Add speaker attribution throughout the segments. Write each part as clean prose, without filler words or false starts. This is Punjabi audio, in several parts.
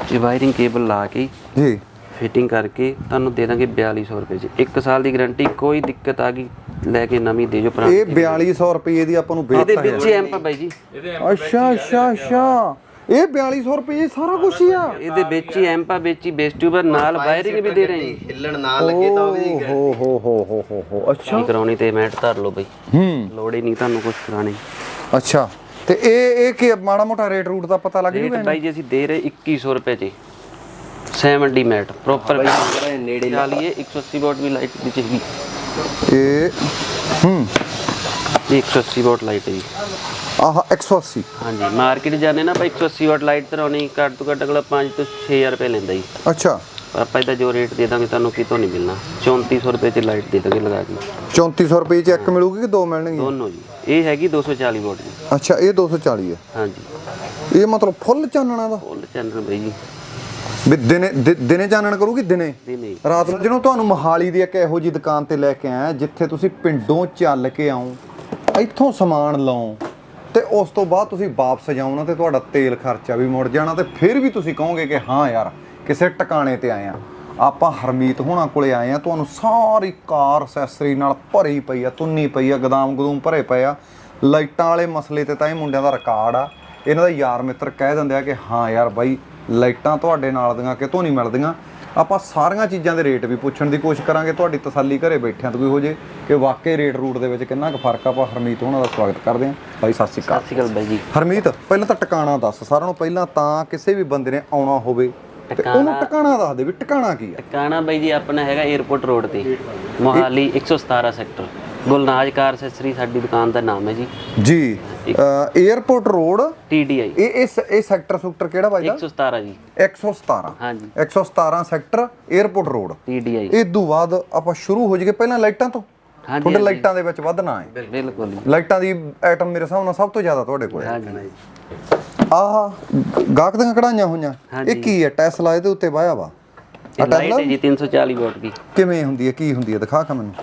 Speaker 1: ਇਹ ਵਾਇਰਿੰਗ ਕੇਬਲ ਲਾ ਕੇ
Speaker 2: ਜੀ
Speaker 1: ਫਿਟਿੰਗ ਕਰਕੇ ਤੁਹਾਨੂੰ ਦੇ ਦਾਂਗੇ 4200 ਰੁਪਏ 'ਚ। 1 ਸਾਲ ਦੀ ਗਾਰੰਟੀ, ਕੋਈ ਦਿੱਕਤ ਆ ਗਈ ਲੈ ਕੇ ਨਵੀਂ ਦੇ ਜੋ ਪੁਰਾਣੀ।
Speaker 2: ਇਹ 4200 ਰੁਪਏ ਦੀ ਆਪਾਂ ਨੂੰ
Speaker 1: ਇਹਦੇ ਵਿੱਚ ਹੀ ਐਂਪ ਆ ਬਾਈ ਜੀ।
Speaker 2: ਅੱਛਾ ਅੱਛਾ ਅੱਛਾ, ਇਹ 4200 ਰੁਪਏ ਸਾਰਾ ਕੁਝ ਹੀ ਆ।
Speaker 1: ਇਹਦੇ ਵਿੱਚ ਹੀ ਐਂਪ ਆ, ਵਿੱਚ ਹੀ ਬੇਸ ਟਿਊਬਰ ਨਾਲ ਵਾਇਰਿੰਗ ਵੀ ਦੇ ਰਹੇ ਹਾਂ।
Speaker 3: ਹਿੱਲਣ ਨਾ ਲੱਗੇ ਤਾਂ ਉਹਦੀ
Speaker 2: ਹੋ ਅੱਛਾ
Speaker 1: ਕਰਾਉਣੀ ਤੇ ਮੈਟ ਧਰ ਲਓ ਬਾਈ, ਲੋੜ ਹੀ ਨਹੀਂ ਤੁਹਾਨੂੰ ਕੁਝ ਕਰਾਣੇ।
Speaker 2: ਅੱਛਾ, ਤੇ ਇਹ ਕੀ ਮਾੜਾ ਮੋਟਾ ਰੇਟ ਰੂਟ ਦਾ ਪਤਾ ਲੱਗ ਜੂਗਾ?
Speaker 1: ਬਾਈ ਜੀ ਅਸੀਂ ਦੇ ਰਹੇ 2100 ਰੁਪਏ 'ਚ 70 ਮੈਟ ਪ੍ਰੋਪਰ
Speaker 3: ਨੇੜੇ
Speaker 1: ਲਾ ਲਈਏ। 180 ਵਾਟ ਵੀ ਲਾਈਟ ਦੀ ਚਾਹੀਦੀ।
Speaker 2: ਇਹ
Speaker 1: ਇਹ 180 ਵਾਟ ਲਾਈਟ ਹੈ ਜੀ।
Speaker 2: ਆਹ 180।
Speaker 1: ਹਾਂਜੀ, ਮਾਰਕੀਟ ਜਾਣੇ ਨਾ ਆਪਾਂ 180 ਵਾਟ ਲਾਈਟ ਧਰਾਉਣੀ ਘੱਟ ਤੋਂ ਘੱਟ ਅਗਲਾ 5 ਤੋਂ 6000 ਰੁਪਏ ਲੈਂਦਾ ਜੀ।
Speaker 2: ਅੱਛਾ,
Speaker 1: ਆਪਾਂ ਇਹਦਾ ਜੋ ਰੇਟ ਦੇ ਦਾਂਗੇ ਤੁਹਾਨੂੰ ਕਿਤੋਂ ਨਹੀਂ ਮਿਲਣਾ। 3400 ਰੁਪਏ 'ਚ ਲਾਈਟ ਦੇ ਦਾਂਗੇ ਲਗਾ ਕੇ।
Speaker 2: 3400 ਰੁਪਏ 'ਚ ਇੱਕ ਮਿਲੂਗੀ ਕਿ ਦੋ ਮਿਲਣਗੀਆਂ?
Speaker 1: ਦੋਨੋਂ ਜੀ। ਇਹ ਹੈਗੀ 240 ਵਾਟ ਦੀ।
Speaker 2: ਅੱਛਾ, ਇਹ 240 ਹੈ।
Speaker 1: ਹਾਂਜੀ,
Speaker 2: ਇਹ ਮਤਲਬ ਫੁੱਲ ਚਾਨਣਾ ਦਾ?
Speaker 1: ਫੁੱਲ ਚੈਨਲ ਬਾਈ ਜੀ।
Speaker 2: ਵੀ ਦਿਨੇ ਚਾਨਣ ਕਰੂਗੀ? ਦਿਨੇ
Speaker 1: ਨਹੀਂ
Speaker 2: ਰਾਤ ਨੂੰ? ਜਦੋਂ ਤੁਹਾਨੂੰ ਮੋਹਾਲੀ ਦੀ ਇੱਕ ਇਹੋ ਜਿਹੀ ਦੁਕਾਨ ਤੇ ਲੈ ਕੇ ਆਇਆ ਜਿੱਥੇ ਤੁਸੀਂ ਪਿੰਡੋਂ ਚੱਲ ਕੇ ਆਓ, ਇੱਥੋਂ ਸਮਾਨ ਲਓ ਤੇ ਉਸ ਤੋਂ ਬਾਅਦ ਤੁਸੀਂ ਵਾਪਸ ਜਾਓ ਤੇ ਤੁਹਾਡਾ ਤੇਲ ਖਰਚਾ ਵੀ ਮੁੜ ਜਾਣਾ, ਤੇ ਫਿਰ ਵੀ ਤੁਸੀਂ ਕਹੋਗੇ ਕਿ ਹਾਂ ਯਾਰ ਕਿਸੇ ਟਿਕਾਣੇ ਤੇ ਆਏ ਆ। ਆਪਾਂ ਹਰਮੀਤ ਹੋਣਾ ਕੋਲੇ ਆਏ ਆ, ਤੁਹਾਨੂੰ ਸਾਰੀ ਕਾਰ ਅਸੈਸਰੀ ਨਾਲ ਭਰੀ ਪਈ ਆ, ਤੁੰਨੀ ਪਈ ਆ, ਗਦਾਮ ਗਦੂਮ ਭਰੇ ਪਏ ਆ। ਲਾਈਟਾਂ ਵਾਲੇ ਮਸਲੇ ਤੇ ਤਾਂ ਇਹ ਮੁੰਡਿਆਂ ਦਾ ਰਿਕਾਰਡ ਆ। ਇਹਨਾਂ ਦਾ ਯਾਰ ਮਿੱਤਰ ਕਹਿ ਦਿੰਦੇ ਆ ਕਿ ਹਾਂ ਯਾਰ ਬਾਈ ਲਾਈਟਾਂ ਤੁਹਾਡੇ ਨਾਲ ਦੀਆਂ ਕਿਤੋਂ ਨਹੀਂ ਮਿਲਦੀਆਂ। ਆਪਾਂ ਸਾਰੀਆਂ ਚੀਜ਼ਾਂ ਦੇ ਰੇਟ ਵੀ ਪੁੱਛਣ ਦੀ ਕੋਸ਼ਿਸ਼ ਕਰਾਂਗੇ, ਤੁਹਾਡੀ ਤਸੱਲੀ ਘਰੇ ਬੈਠਿਆਂ ਤੋਂ ਵੀ ਹੋ ਜੇ ਕਿ ਵਾਕਈ ਰੇਟ ਰੂਟ ਦੇ ਵਿੱਚ ਕਿੰਨਾ ਕੁ ਫਰਕ ਆ। ਆਪਾਂ ਹਰਮੀਤ ਹੋਣਾ ਦਾ ਸਵਾਗਤ ਕਰਦੇ ਹਾਂ। ਬਾਈ ਸਤਿ ਸ਼੍ਰੀ ਅਕਾਲ।
Speaker 1: ਸਤਿ ਸ਼੍ਰੀ ਅਕਾਲ ਬਾਈ ਜੀ।
Speaker 2: ਹਰਮੀਤ, ਪਹਿਲਾਂ ਤਾਂ ਟਿਕਾਣਾ ਦੱਸ ਸਾਰਿਆਂ ਨੂੰ ਪਹਿਲਾਂ, ਤਾਂ ਕਿਸੇ ਵੀ ਬੰਦੇ ਨੇ ਆਉਣਾ ਹੋਵੇ ਤੇ ਉਹਨੂੰ ਟਿਕਾਣਾ ਦੱਸ ਦੇ ਵੀ ਟਿਕਾਣਾ ਕੀ ਆ।
Speaker 1: ਟਿਕਾਣਾ ਬਾਈ ਜੀ ਆਪਣਾ ਹੈਗਾ 에ਅਰਪੋਰਟ ਰੋਡ ਤੇ, Mohali 117 sector. Gulnaz car accessory ਸਾਡੀ ਦੁਕਾਨ ਦਾ ਨਾਮ ਹੈ ਜੀ।
Speaker 2: ਜੀ, 에ਅਰਪੋਰਟ ਰੋਡ
Speaker 1: TDI।
Speaker 2: ਇਹ ਸੈਕਟਰ ਸੁਕਟਰ ਕਿਹੜਾ ਬਾਈ ਦਾ?
Speaker 1: 117 ਜੀ।
Speaker 2: 117।
Speaker 1: ਹਾਂਜੀ,
Speaker 2: 117 ਸੈਕਟਰ 에ਅਰਪੋਰਟ ਰੋਡ
Speaker 1: TDI।
Speaker 2: ਇਹ ਤੋਂ ਬਾਅਦ ਆਪਾਂ ਸ਼ੁਰੂ ਹੋ ਜਾਈਏ ਪਹਿਲਾਂ ਲਾਈਟਾਂ ਤੋਂ।
Speaker 1: ਹਾਂਜੀ,
Speaker 2: ਤੁਹਾਡੇ ਲਾਈਟਾਂ ਦੇ ਵਿੱਚ ਵਧਣਾ ਹੈ।
Speaker 1: ਬਿਲਕੁਲ ਜੀ।
Speaker 2: ਲਾਈਟਾਂ ਦੀ ਆਈਟਮ ਮੇਰੇ ਹਿਸਾਬ ਨਾਲ ਸਭ ਤੋਂ ਜ਼ਿਆਦਾ ਤੁਹਾਡੇ ਕੋਲ ਹੈ।
Speaker 1: ਹਾਂਜੀ,
Speaker 2: ਆਹ ਗਾਹਕ ਦੀਆਂ ਕਢਾਈਆਂ ਹੋਈਆਂ, ਇਹ ਕੀ ਹੈ? ਟੈਸਲਾ ਇਹਦੇ ਉੱਤੇ ਵਾਇਆ ਵਾ।
Speaker 1: ਇਹ ਲਾਈਟ ਹੈ ਜੀ 340 ਵਾਟ ਦੀ।
Speaker 2: ਕਿਵੇਂ ਹੁੰਦੀ ਹੈ, ਕੀ ਹੁੰਦੀ ਹੈ, ਦਿਖਾ ਕੇ ਮੈਨੂੰ।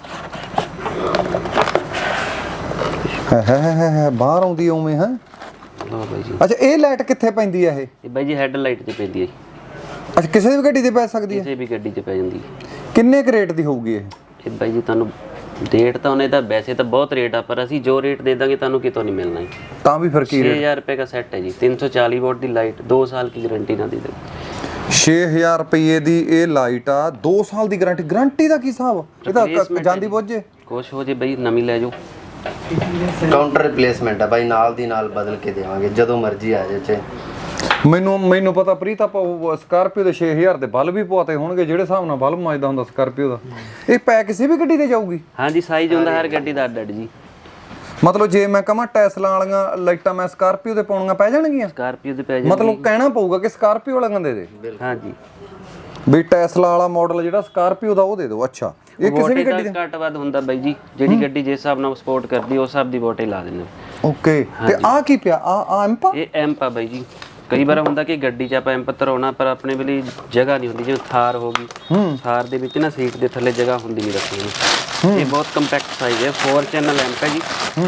Speaker 2: ਹੈ ਬਾਹਰ ਆਉਂਦੀ ਉਵੇਂ ਹੈ।
Speaker 1: ਲਓ ਬਾਈ ਜੀ।
Speaker 2: ਅੱਛਾ, ਇਹ ਲਾਈਟ ਕਿੱਥੇ ਪੈਂਦੀ ਹੈ?
Speaker 1: ਇਹ ਬਾਈ ਜੀ ਹੈਡ ਲਾਈਟ 'ਚ ਪੈਂਦੀ ਹੈ ਜੀ।
Speaker 2: ਅੱਛਾ, ਕਿਸੇ ਵੀ ਗੱਡੀ ਤੇ ਪੈ ਸਕਦੀ ਹੈ?
Speaker 1: ਕਿਸੇ ਵੀ ਗੱਡੀ 'ਚ ਪੈ ਜਾਂਦੀ ਹੈ।
Speaker 2: ਕਿੰਨੇ ਕੁ ਰੇਟ ਦੀ ਹੋਊਗੀ ਇਹ?
Speaker 1: ਇਹ ਬਾਈ ਜੀ ਤੁਹਾਨੂੰ ਰੇਟ ਤਾਂ ਉਹਨੇ ਤਾਂ ਵੈਸੇ ਤਾਂ ਬਹੁਤ ਰੇਟ ਆ, ਪਰ ਅਸੀਂ ਜੋ ਰੇਟ ਦੇ ਦਾਂਗੇ ਤੁਹਾਨੂੰ ਕਿਤੋਂ ਨਹੀਂ ਮਿਲਣਾ ਜੀ।
Speaker 2: ਤਾਂ ਵੀ ਫਿਰ ਕੀ ਰੇਟ?
Speaker 1: 6000 रुपये का सेट है जी। 340 वाट की लाइट, 2 साल की गारंटी ना दे देंगे।
Speaker 2: 6000 ਰੁਪਏ ਦੀ ਇਹ ਲਾਈਟ ਆ, 2 ਸਾਲ ਦੀ ਗਾਰੰਟੀ। ਗਾਰੰਟੀ ਦਾ ਕੀ ਹਿਸਾਬ? ਇਹ ਤਾਂ ਜਾਂਦੀ ਬੁੱਝੇ
Speaker 1: ਕੁਛ ਹੋ ਜੇ ਬਈ ਨਵੀਂ ਲੈ ਜਾਓ।
Speaker 3: ਕਾਊਂਟਰ ਰਿਪਲੇਸਮੈਂਟ ਆ ਬਾਈ, ਨਾਲ ਦੀ ਨਾਲ ਬਦਲ ਕੇ ਦੇਵਾਂਗੇ ਜਦੋਂ ਮਰਜ਼ੀ ਆ ਜਾਏ।
Speaker 2: ਮੈਨੂੰ ਪਤਾ ਪ੍ਰੀਤ, ਆਪਾਂ ਸਕਾਰਪੀਓ ਦੇ 6000 ਦੇ ਬਲਬ ਵੀ ਪਵਾਤੇ ਹੋਣਗੇ ਜਿਹੜੇ ਹਿਸਾਬ ਨਾਲ ਬਲਬ ਮੱਚਦਾ ਹੁੰਦਾ ਸਕਾਰਪੀਓ ਦਾ। ਇਹ ਪੈ ਕਿਸੇ ਵੀ ਗੱਡੀ ਤੇ ਜਾਊਗੀ?
Speaker 1: ਹਾਂਜੀ, ਸਾਈਜ਼ ਹੁੰਦਾ ਹਰ ਗੱਡੀ ਦਾ ਅੱਡ ਜੀ।
Speaker 2: ਮਤਲਬ ਜੇ ਮੈਂ ਕਹਾਂ ਟੈਸਲਾ ਵਾਲੀਆਂ ਲਾਈਟਾਂ ਮੈਂ ਸਕਾਰਪੀਓ ਤੇ ਪਾਉਣੀਆਂ ਪੈ ਜਾਣਗੀਆਂ?
Speaker 1: ਸਕਾਰਪੀਓ ਤੇ ਪੈ ਜਾਂਦੀ।
Speaker 2: ਮਤਲਬ ਕਹਿਣਾ ਪਊਗਾ ਕਿ ਸਕਾਰਪੀਓ ਵਾਲਿਆਂ ਦੇ ਦੇ।
Speaker 1: ਹਾਂਜੀ,
Speaker 2: ਵੀ ਟੈਸਲਾ ਵਾਲਾ ਮਾਡਲ ਜਿਹੜਾ ਸਕਾਰਪੀਓ ਦਾ ਉਹ ਦੇ ਦਿਓ। ਅੱਛਾ, ਇਹ ਕਿਸੇ ਵੀ ਗੱਡੀ
Speaker 1: ਦਾ ਘੱਟ ਵੱਧ ਹੁੰਦਾ ਬਾਈ ਜੀ। ਜਿਹੜੀ ਗੱਡੀ ਜਿਸ ਹਿਸਾਬ ਨਾਲ ਸਪੋਰਟ ਕਰਦੀ ਉਸ ਹਿਸਾਬ ਦੀ ਵੋਟੇ ਲਾ ਦਿੰਦੇ।
Speaker 2: ਓਕੇ, ਤੇ ਆ ਕੀ ਪਿਆ? ਆ ਐਂਪ?
Speaker 1: ਇਹ ਐਂਪ ਆ ਬਾਈ ਜੀ। ਕਈ ਵਾਰ ਹੁੰਦਾ ਕਿ ਗੱਡੀ 'ਚ ਆਪਾਂ ਐਂਪ ਧਰਾਉਣਾ, ਪਰ ਆਪਣੇ ਵੇਲੇ ਜਗ੍ਹਾ ਨਹੀਂ ਹੁੰਦੀ। ਜਿਵੇਂ ਥਾਰ ਹੋ ਗਈ, ਥਾਰ ਦੇ ਵਿੱਚ ਨਾ ਸੀਟ ਦੇ ਥੱਲੇ ਜਗ੍ਹਾ ਹੁੰਦੀ ਨਹੀਂ ਰੱਖੀ ਨੂੰ। ਇਹ ਬਹੁਤ ਕੰਪੈਕਟ ਸਾਈਜ਼ ਹੈ। 4 ਚੈਨਲ ਐਂਪ ਹੈ ਜੀ।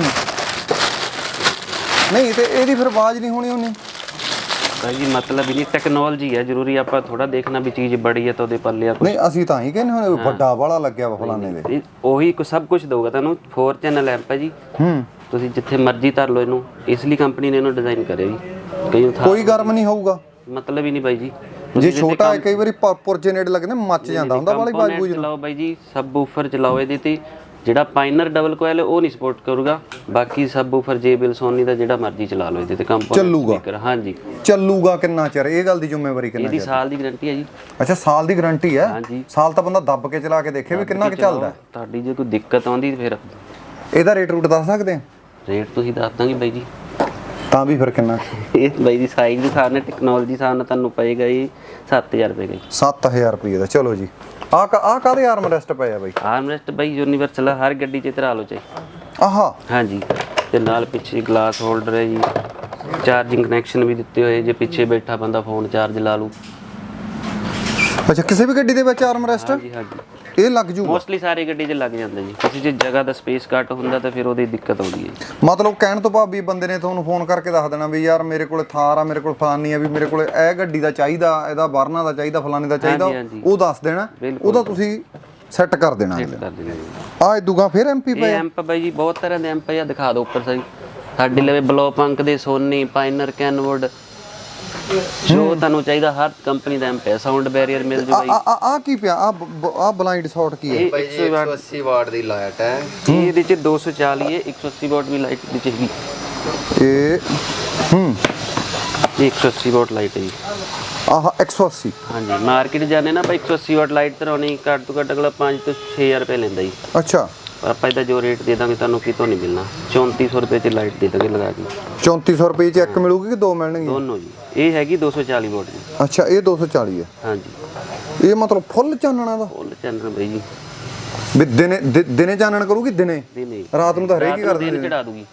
Speaker 2: ਨਹੀਂ ਤੇ ਇਹਦੀ ਫਿਰ ਆਵਾਜ਼ ਨਹੀਂ ਹੋਣੀ ਉਹਨੇ
Speaker 1: ਭਾਈ ਜੀ? ਮਤਲਬ ਹੀ ਨਹੀਂ, ਟੈਕਨੋਲੋਜੀ ਹੈ ਜ਼ਰੂਰੀ। ਆਪਾਂ ਥੋੜਾ ਦੇਖਣਾ ਵੀ ਚੀਜ਼ ਬੜੀ ਹੈ ਤਾਂ ਉਹਦੇ ਪੱਲੇ ਆ।
Speaker 2: ਨਹੀਂ, ਅਸੀਂ ਤਾਂ ਹੀ ਕਹਿੰਦੇ ਹੁਣ ਵੱਡਾ ਵਾਲਾ ਲੱਗਿਆ ਵਾ ਫਲਾਣੇ ਦੇ।
Speaker 1: ਉਹੀ ਸਭ ਕੁਝ ਦਊਗਾ ਤੁਹਾਨੂੰ। 4 ਚੈਨਲ ਐਂਪ ਹੈ ਜੀ। ਤੁਸੀਂ ਜਿੱਥੇ ਮਰਜ਼ੀ ਧਰ ਲਓ ਇਹਨੂੰ। ਇਸ ਲਈ ਕੰਪਨੀ ਨੇ ਇਹਨੂੰ ਡਿਜ਼ਾਈਨ ਕਰਿਆ ਜੀ।
Speaker 2: ਕੋਈ ਗਰਮ ਨਹੀਂ ਹੋਊਗਾ?
Speaker 1: ਮਤਲਬ ਹੀ ਨਹੀਂ ਬਾਈ ਜੀ।
Speaker 2: ਜੇ ਛੋਟਾ ਹੈ ਕਈ ਵਾਰੀ ਪੁਰਜੇ ਨੇੜੇ ਲੱਗਦੇ ਮੱਚ ਜਾਂਦਾ ਹੁੰਦਾ ਵਾਲੀ ਬਾਜ ਬੂਜ।
Speaker 1: ਚਲਾਓ ਬਾਈ ਜੀ, ਸਬ ਵੂਫਰ ਚਲਾਓ ਇਹਦੇ ਤੇ। ਜਿਹੜਾ ਪਾਇਨਰ ਡਬਲ ਕੋਇਲ ਉਹ ਨਹੀਂ ਸਪੋਰਟ ਕਰੂਗਾ। ਬਾਕੀ ਸਬ ਵੂਫਰ JBL ਸੋਨੀ ਦਾ ਜਿਹੜਾ ਮਰਜ਼ੀ ਚਲਾ ਲਓ ਇਹਦੇ ਤੇ ਕੰਪੋਨੈਂਟ ਸਪੀਕਰ। ਹਾਂਜੀ,
Speaker 2: ਚੱਲੂਗਾ ਕਿੰਨਾ ਚਿਰ? ਇਹ ਗੱਲ ਦੀ ਜ਼ਿੰਮੇਵਾਰੀ ਕਿੰਨਾ ਚਿਰ?
Speaker 1: ਇਹਦੀ ਸਾਲ ਦੀ ਗਾਰੰਟੀ ਹੈ ਜੀ।
Speaker 2: ਅੱਛਾ, ਸਾਲ ਦੀ ਗਾਰੰਟੀ ਹੈ?
Speaker 1: ਹਾਂਜੀ,
Speaker 2: ਸਾਲ ਤਾਂ ਬੰਦਾ ਦੱਬ ਕੇ ਚਲਾ ਕੇ ਦੇਖੇ ਵੀ ਕਿੰਨਾ ਕੁ ਚੱਲਦਾ।
Speaker 1: ਤੁਹਾਡੀ ਜੇ ਕੋਈ ਦਿੱਕਤ ਆਉਂਦੀ ਫਿਰ
Speaker 2: ਇਹਦਾ ਰੇਟ ਰੂਟ ਦੱਸ ਸਕਦੇ ਆ?
Speaker 1: ਰੇਟ ਤੁਸੀਂ ਦੱਸ ਦਾਂਗੇ ਬਾਈ ਜੀ।
Speaker 2: ਤਾਂ ਵੀ ਫਿਰ ਕਿੰਨਾ?
Speaker 1: ਇਹ ਬਾਈ ਦੀ ਸਾਈਜ਼ ਦੇ ਹਿਸਾਬ ਨਾਲ, ਟੈਕਨੋਲੋਜੀ ਹਿਸਾਬ ਨਾਲ ਤੁਹਾਨੂੰ ਪਏਗਾ ਜੀ 7000 ਰੁਪਏ ਦਾ।
Speaker 2: 7000 ਰੁਪਏ ਦਾ। ਚਲੋ ਜੀ, ਆ ਕਾਹਦੇ ਆਰਮ ਰੈਸਟ ਪਏ ਆ ਬਾਈ?
Speaker 1: ਆਰਮ ਰੈਸਟ ਬਾਈ ਯੂਨੀਵਰਸਲ ਹਰ ਗੱਡੀ 'ਚ ਧਰਾ ਲਓ ਚਾਹੀ।
Speaker 2: ਆਹਾ,
Speaker 1: ਹਾਂਜੀ, ਤੇ ਨਾਲ ਪਿੱਛੇ ਗਲਾਸ ਹੋਲਡਰ ਹੈ ਜੀ। ਚਾਰਜਿੰਗ ਕਨੈਕਸ਼ਨ ਵੀ ਦਿੱਤੇ ਹੋਏ, ਜੇ ਪਿੱਛੇ ਬੈਠਾ ਬੰਦਾ ਫੋਨ ਚਾਰਜ ਲਾ ਲੂ।
Speaker 2: ਅੱਛਾ ਕਿਸੇ ਵੀ ਗੱਡੀ ਦੇ ਵਿੱਚ ਆਰਮ ਰੈਸਟ
Speaker 1: ਹਾਂਜੀ ਹਾਂਜੀ
Speaker 2: ਇਹ ਲੱਗ ਜੂਗਾ?
Speaker 1: ਮੋਸਟਲੀ ਸਾਰੀ ਗੱਡੀ 'ਚ ਲੱਗ ਜਾਂਦਾ ਜੀ, ਕਿਸੇ 'ਚ ਜਗ੍ਹਾ ਦਾ ਸਪੇਸ ਘੱਟ ਹੁੰਦਾ ਤਾਂ ਫਿਰ ਉਹਦੀ ਦਿੱਕਤ ਆਉਂਦੀ ਹੈ ਜੀ।
Speaker 2: ਮਤਲਬ ਕਹਿਣ ਤੋਂ ਭਾਵ ਵੀ ਬੰਦੇ ਨੇ ਤੁਹਾਨੂੰ ਫੋਨ ਕਰਕੇ ਦੱਸ ਦੇਣਾ ਵੀ ਯਾਰ ਮੇਰੇ ਕੋਲੇ ਥਾਰ ਆ, ਮੇਰੇ ਕੋਲ ਫਲਾਨੀ ਆ, ਵੀ ਮੇਰੇ ਕੋਲੇ ਇਹ ਗੱਡੀ ਦਾ ਚਾਹੀਦਾ, ਇਹਦਾ ਵਰਨਾ ਦਾ ਚਾਹੀਦਾ, ਫਲਾਨੀ ਦਾ ਚਾਹੀਦਾ,
Speaker 1: ਹਾਂਜੀ।
Speaker 2: ਉਹ ਦੱਸ ਦੇਣਾ, ਉਹਦਾ ਤੁਸੀਂ ਸੈੱਟ ਕਰ ਦੇਣਾ।
Speaker 1: ਕਰ ਦਿੰਦੇ ਜੀ।
Speaker 2: ਆ ਇਦੂਗਾ ਫਿਰ ਐਮਪੀ
Speaker 1: ਇਹ
Speaker 2: ਪਏ
Speaker 1: ਐਂਪ ਬਾਈ ਜੀ ਬਹੁਤ ਤਰ੍ਹਾਂ ਦੇ ਐਂਪ ਆ, ਦਿਖਾ ਦਿਓ ਉੱਪਰ ਸਾਈ ਸਾਡੇ ਲਵੇ ਬਲੋ ਪੰਕ ਦੇ, ਸੋਨੀ, ਪਾਇਨਰ, ਕੈਨਵੁੱਡ, ਜੋ ਤੁਹਾਨੂੰ ਚਾਹੀਦਾ ਹਰ ਕੰਪਨੀ ਦਾ ਐਂਪ ਹੈ। ਸਾਊਂਡ ਬੈਰੀਅਰ ਮਿਲ ਜੂ ਬਾਈ।
Speaker 2: ਆ ਕੀ ਪਿਆ? ਆ ਬਲਾਈਂਡ ਸ਼ਾਟ ਕੀ ਹੈ?
Speaker 3: ਭਾਈ ਜੀ 180 ਵਾਟ ਦੀ ਲਾਈਟ ਹੈ।
Speaker 1: ਇਹਦੇ ਚ 240 ਹੈ, 180 ਵਾਟ ਵੀ ਲਾਈਟ ਵਿੱਚ ਹੈਗੀ।
Speaker 2: ਇਹ
Speaker 1: ਇਹ 180 ਵਾਟ ਲਾਈਟ ਹੈ ਜੀ।
Speaker 2: ਆਹ 180?
Speaker 1: ਹਾਂਜੀ ਮਾਰਕੀਟ ਜਾਣੇ ਨਾ ਆਪਾਂ 180 ਵਾਟ ਲਾਈਟ ਤਰਾਉਣੀ ਘੱਟ ਤੋਂ ਘੱਟ ਅਗਲਾ 5 ਤੋਂ 6000 ਰੁਪਏ ਲੈਂਦਾ ਜੀ।
Speaker 2: ਅੱਛਾ
Speaker 1: ਪਰ ਆਪਾਂ ਇਹਦਾ ਜੋ ਰੇਟ ਦੇ ਦਾਂਗੇ ਤੁਹਾਨੂੰ ਕਿਤੋਂ ਨਹੀਂ ਮਿਲਣਾ, 3400 ਰੁਪਏ ਚ ਲਾਈਟ ਦੇ ਦਾਂਗੇ ਲਗਾ ਕੇ।
Speaker 2: 3400 ਰੁਪਏ ਚ ਇੱਕ ਮਿਲੂਗੀ ਕਿ ਦੋ ਮਿਲਣਗੀਆਂ?
Speaker 1: ਦੋਨੋਂ ਜੀ। ਇਹ ਹੈਗੀ 240 ਵਾਟ ਦੀ।
Speaker 2: ਅੱਛਾ ਇਹ 240 ਹੈ?
Speaker 1: ਹਾਂਜੀ
Speaker 2: ਇਹ ਮਤਲਬ ਫੁੱਲ ਚਾਨਣਾ ਦਾ?
Speaker 1: ਫੁੱਲ ਚੈਨਲ ਬਾਈ ਜੀ।
Speaker 2: ਵੀ ਦਿਨੇ ਚਾਨਣ ਕਰੂਗੀ? ਦਿਨੇ?
Speaker 1: ਦਿਨੇ
Speaker 2: ਰਾਤ ਨੂੰ ਤਾਂ ਹਰੇਕ ਹੀ ਕਰ
Speaker 1: ਦਿਨ
Speaker 2: ਦਿੰਦੇ।
Speaker 1: ਚੜਾ ਦੂਗੀ।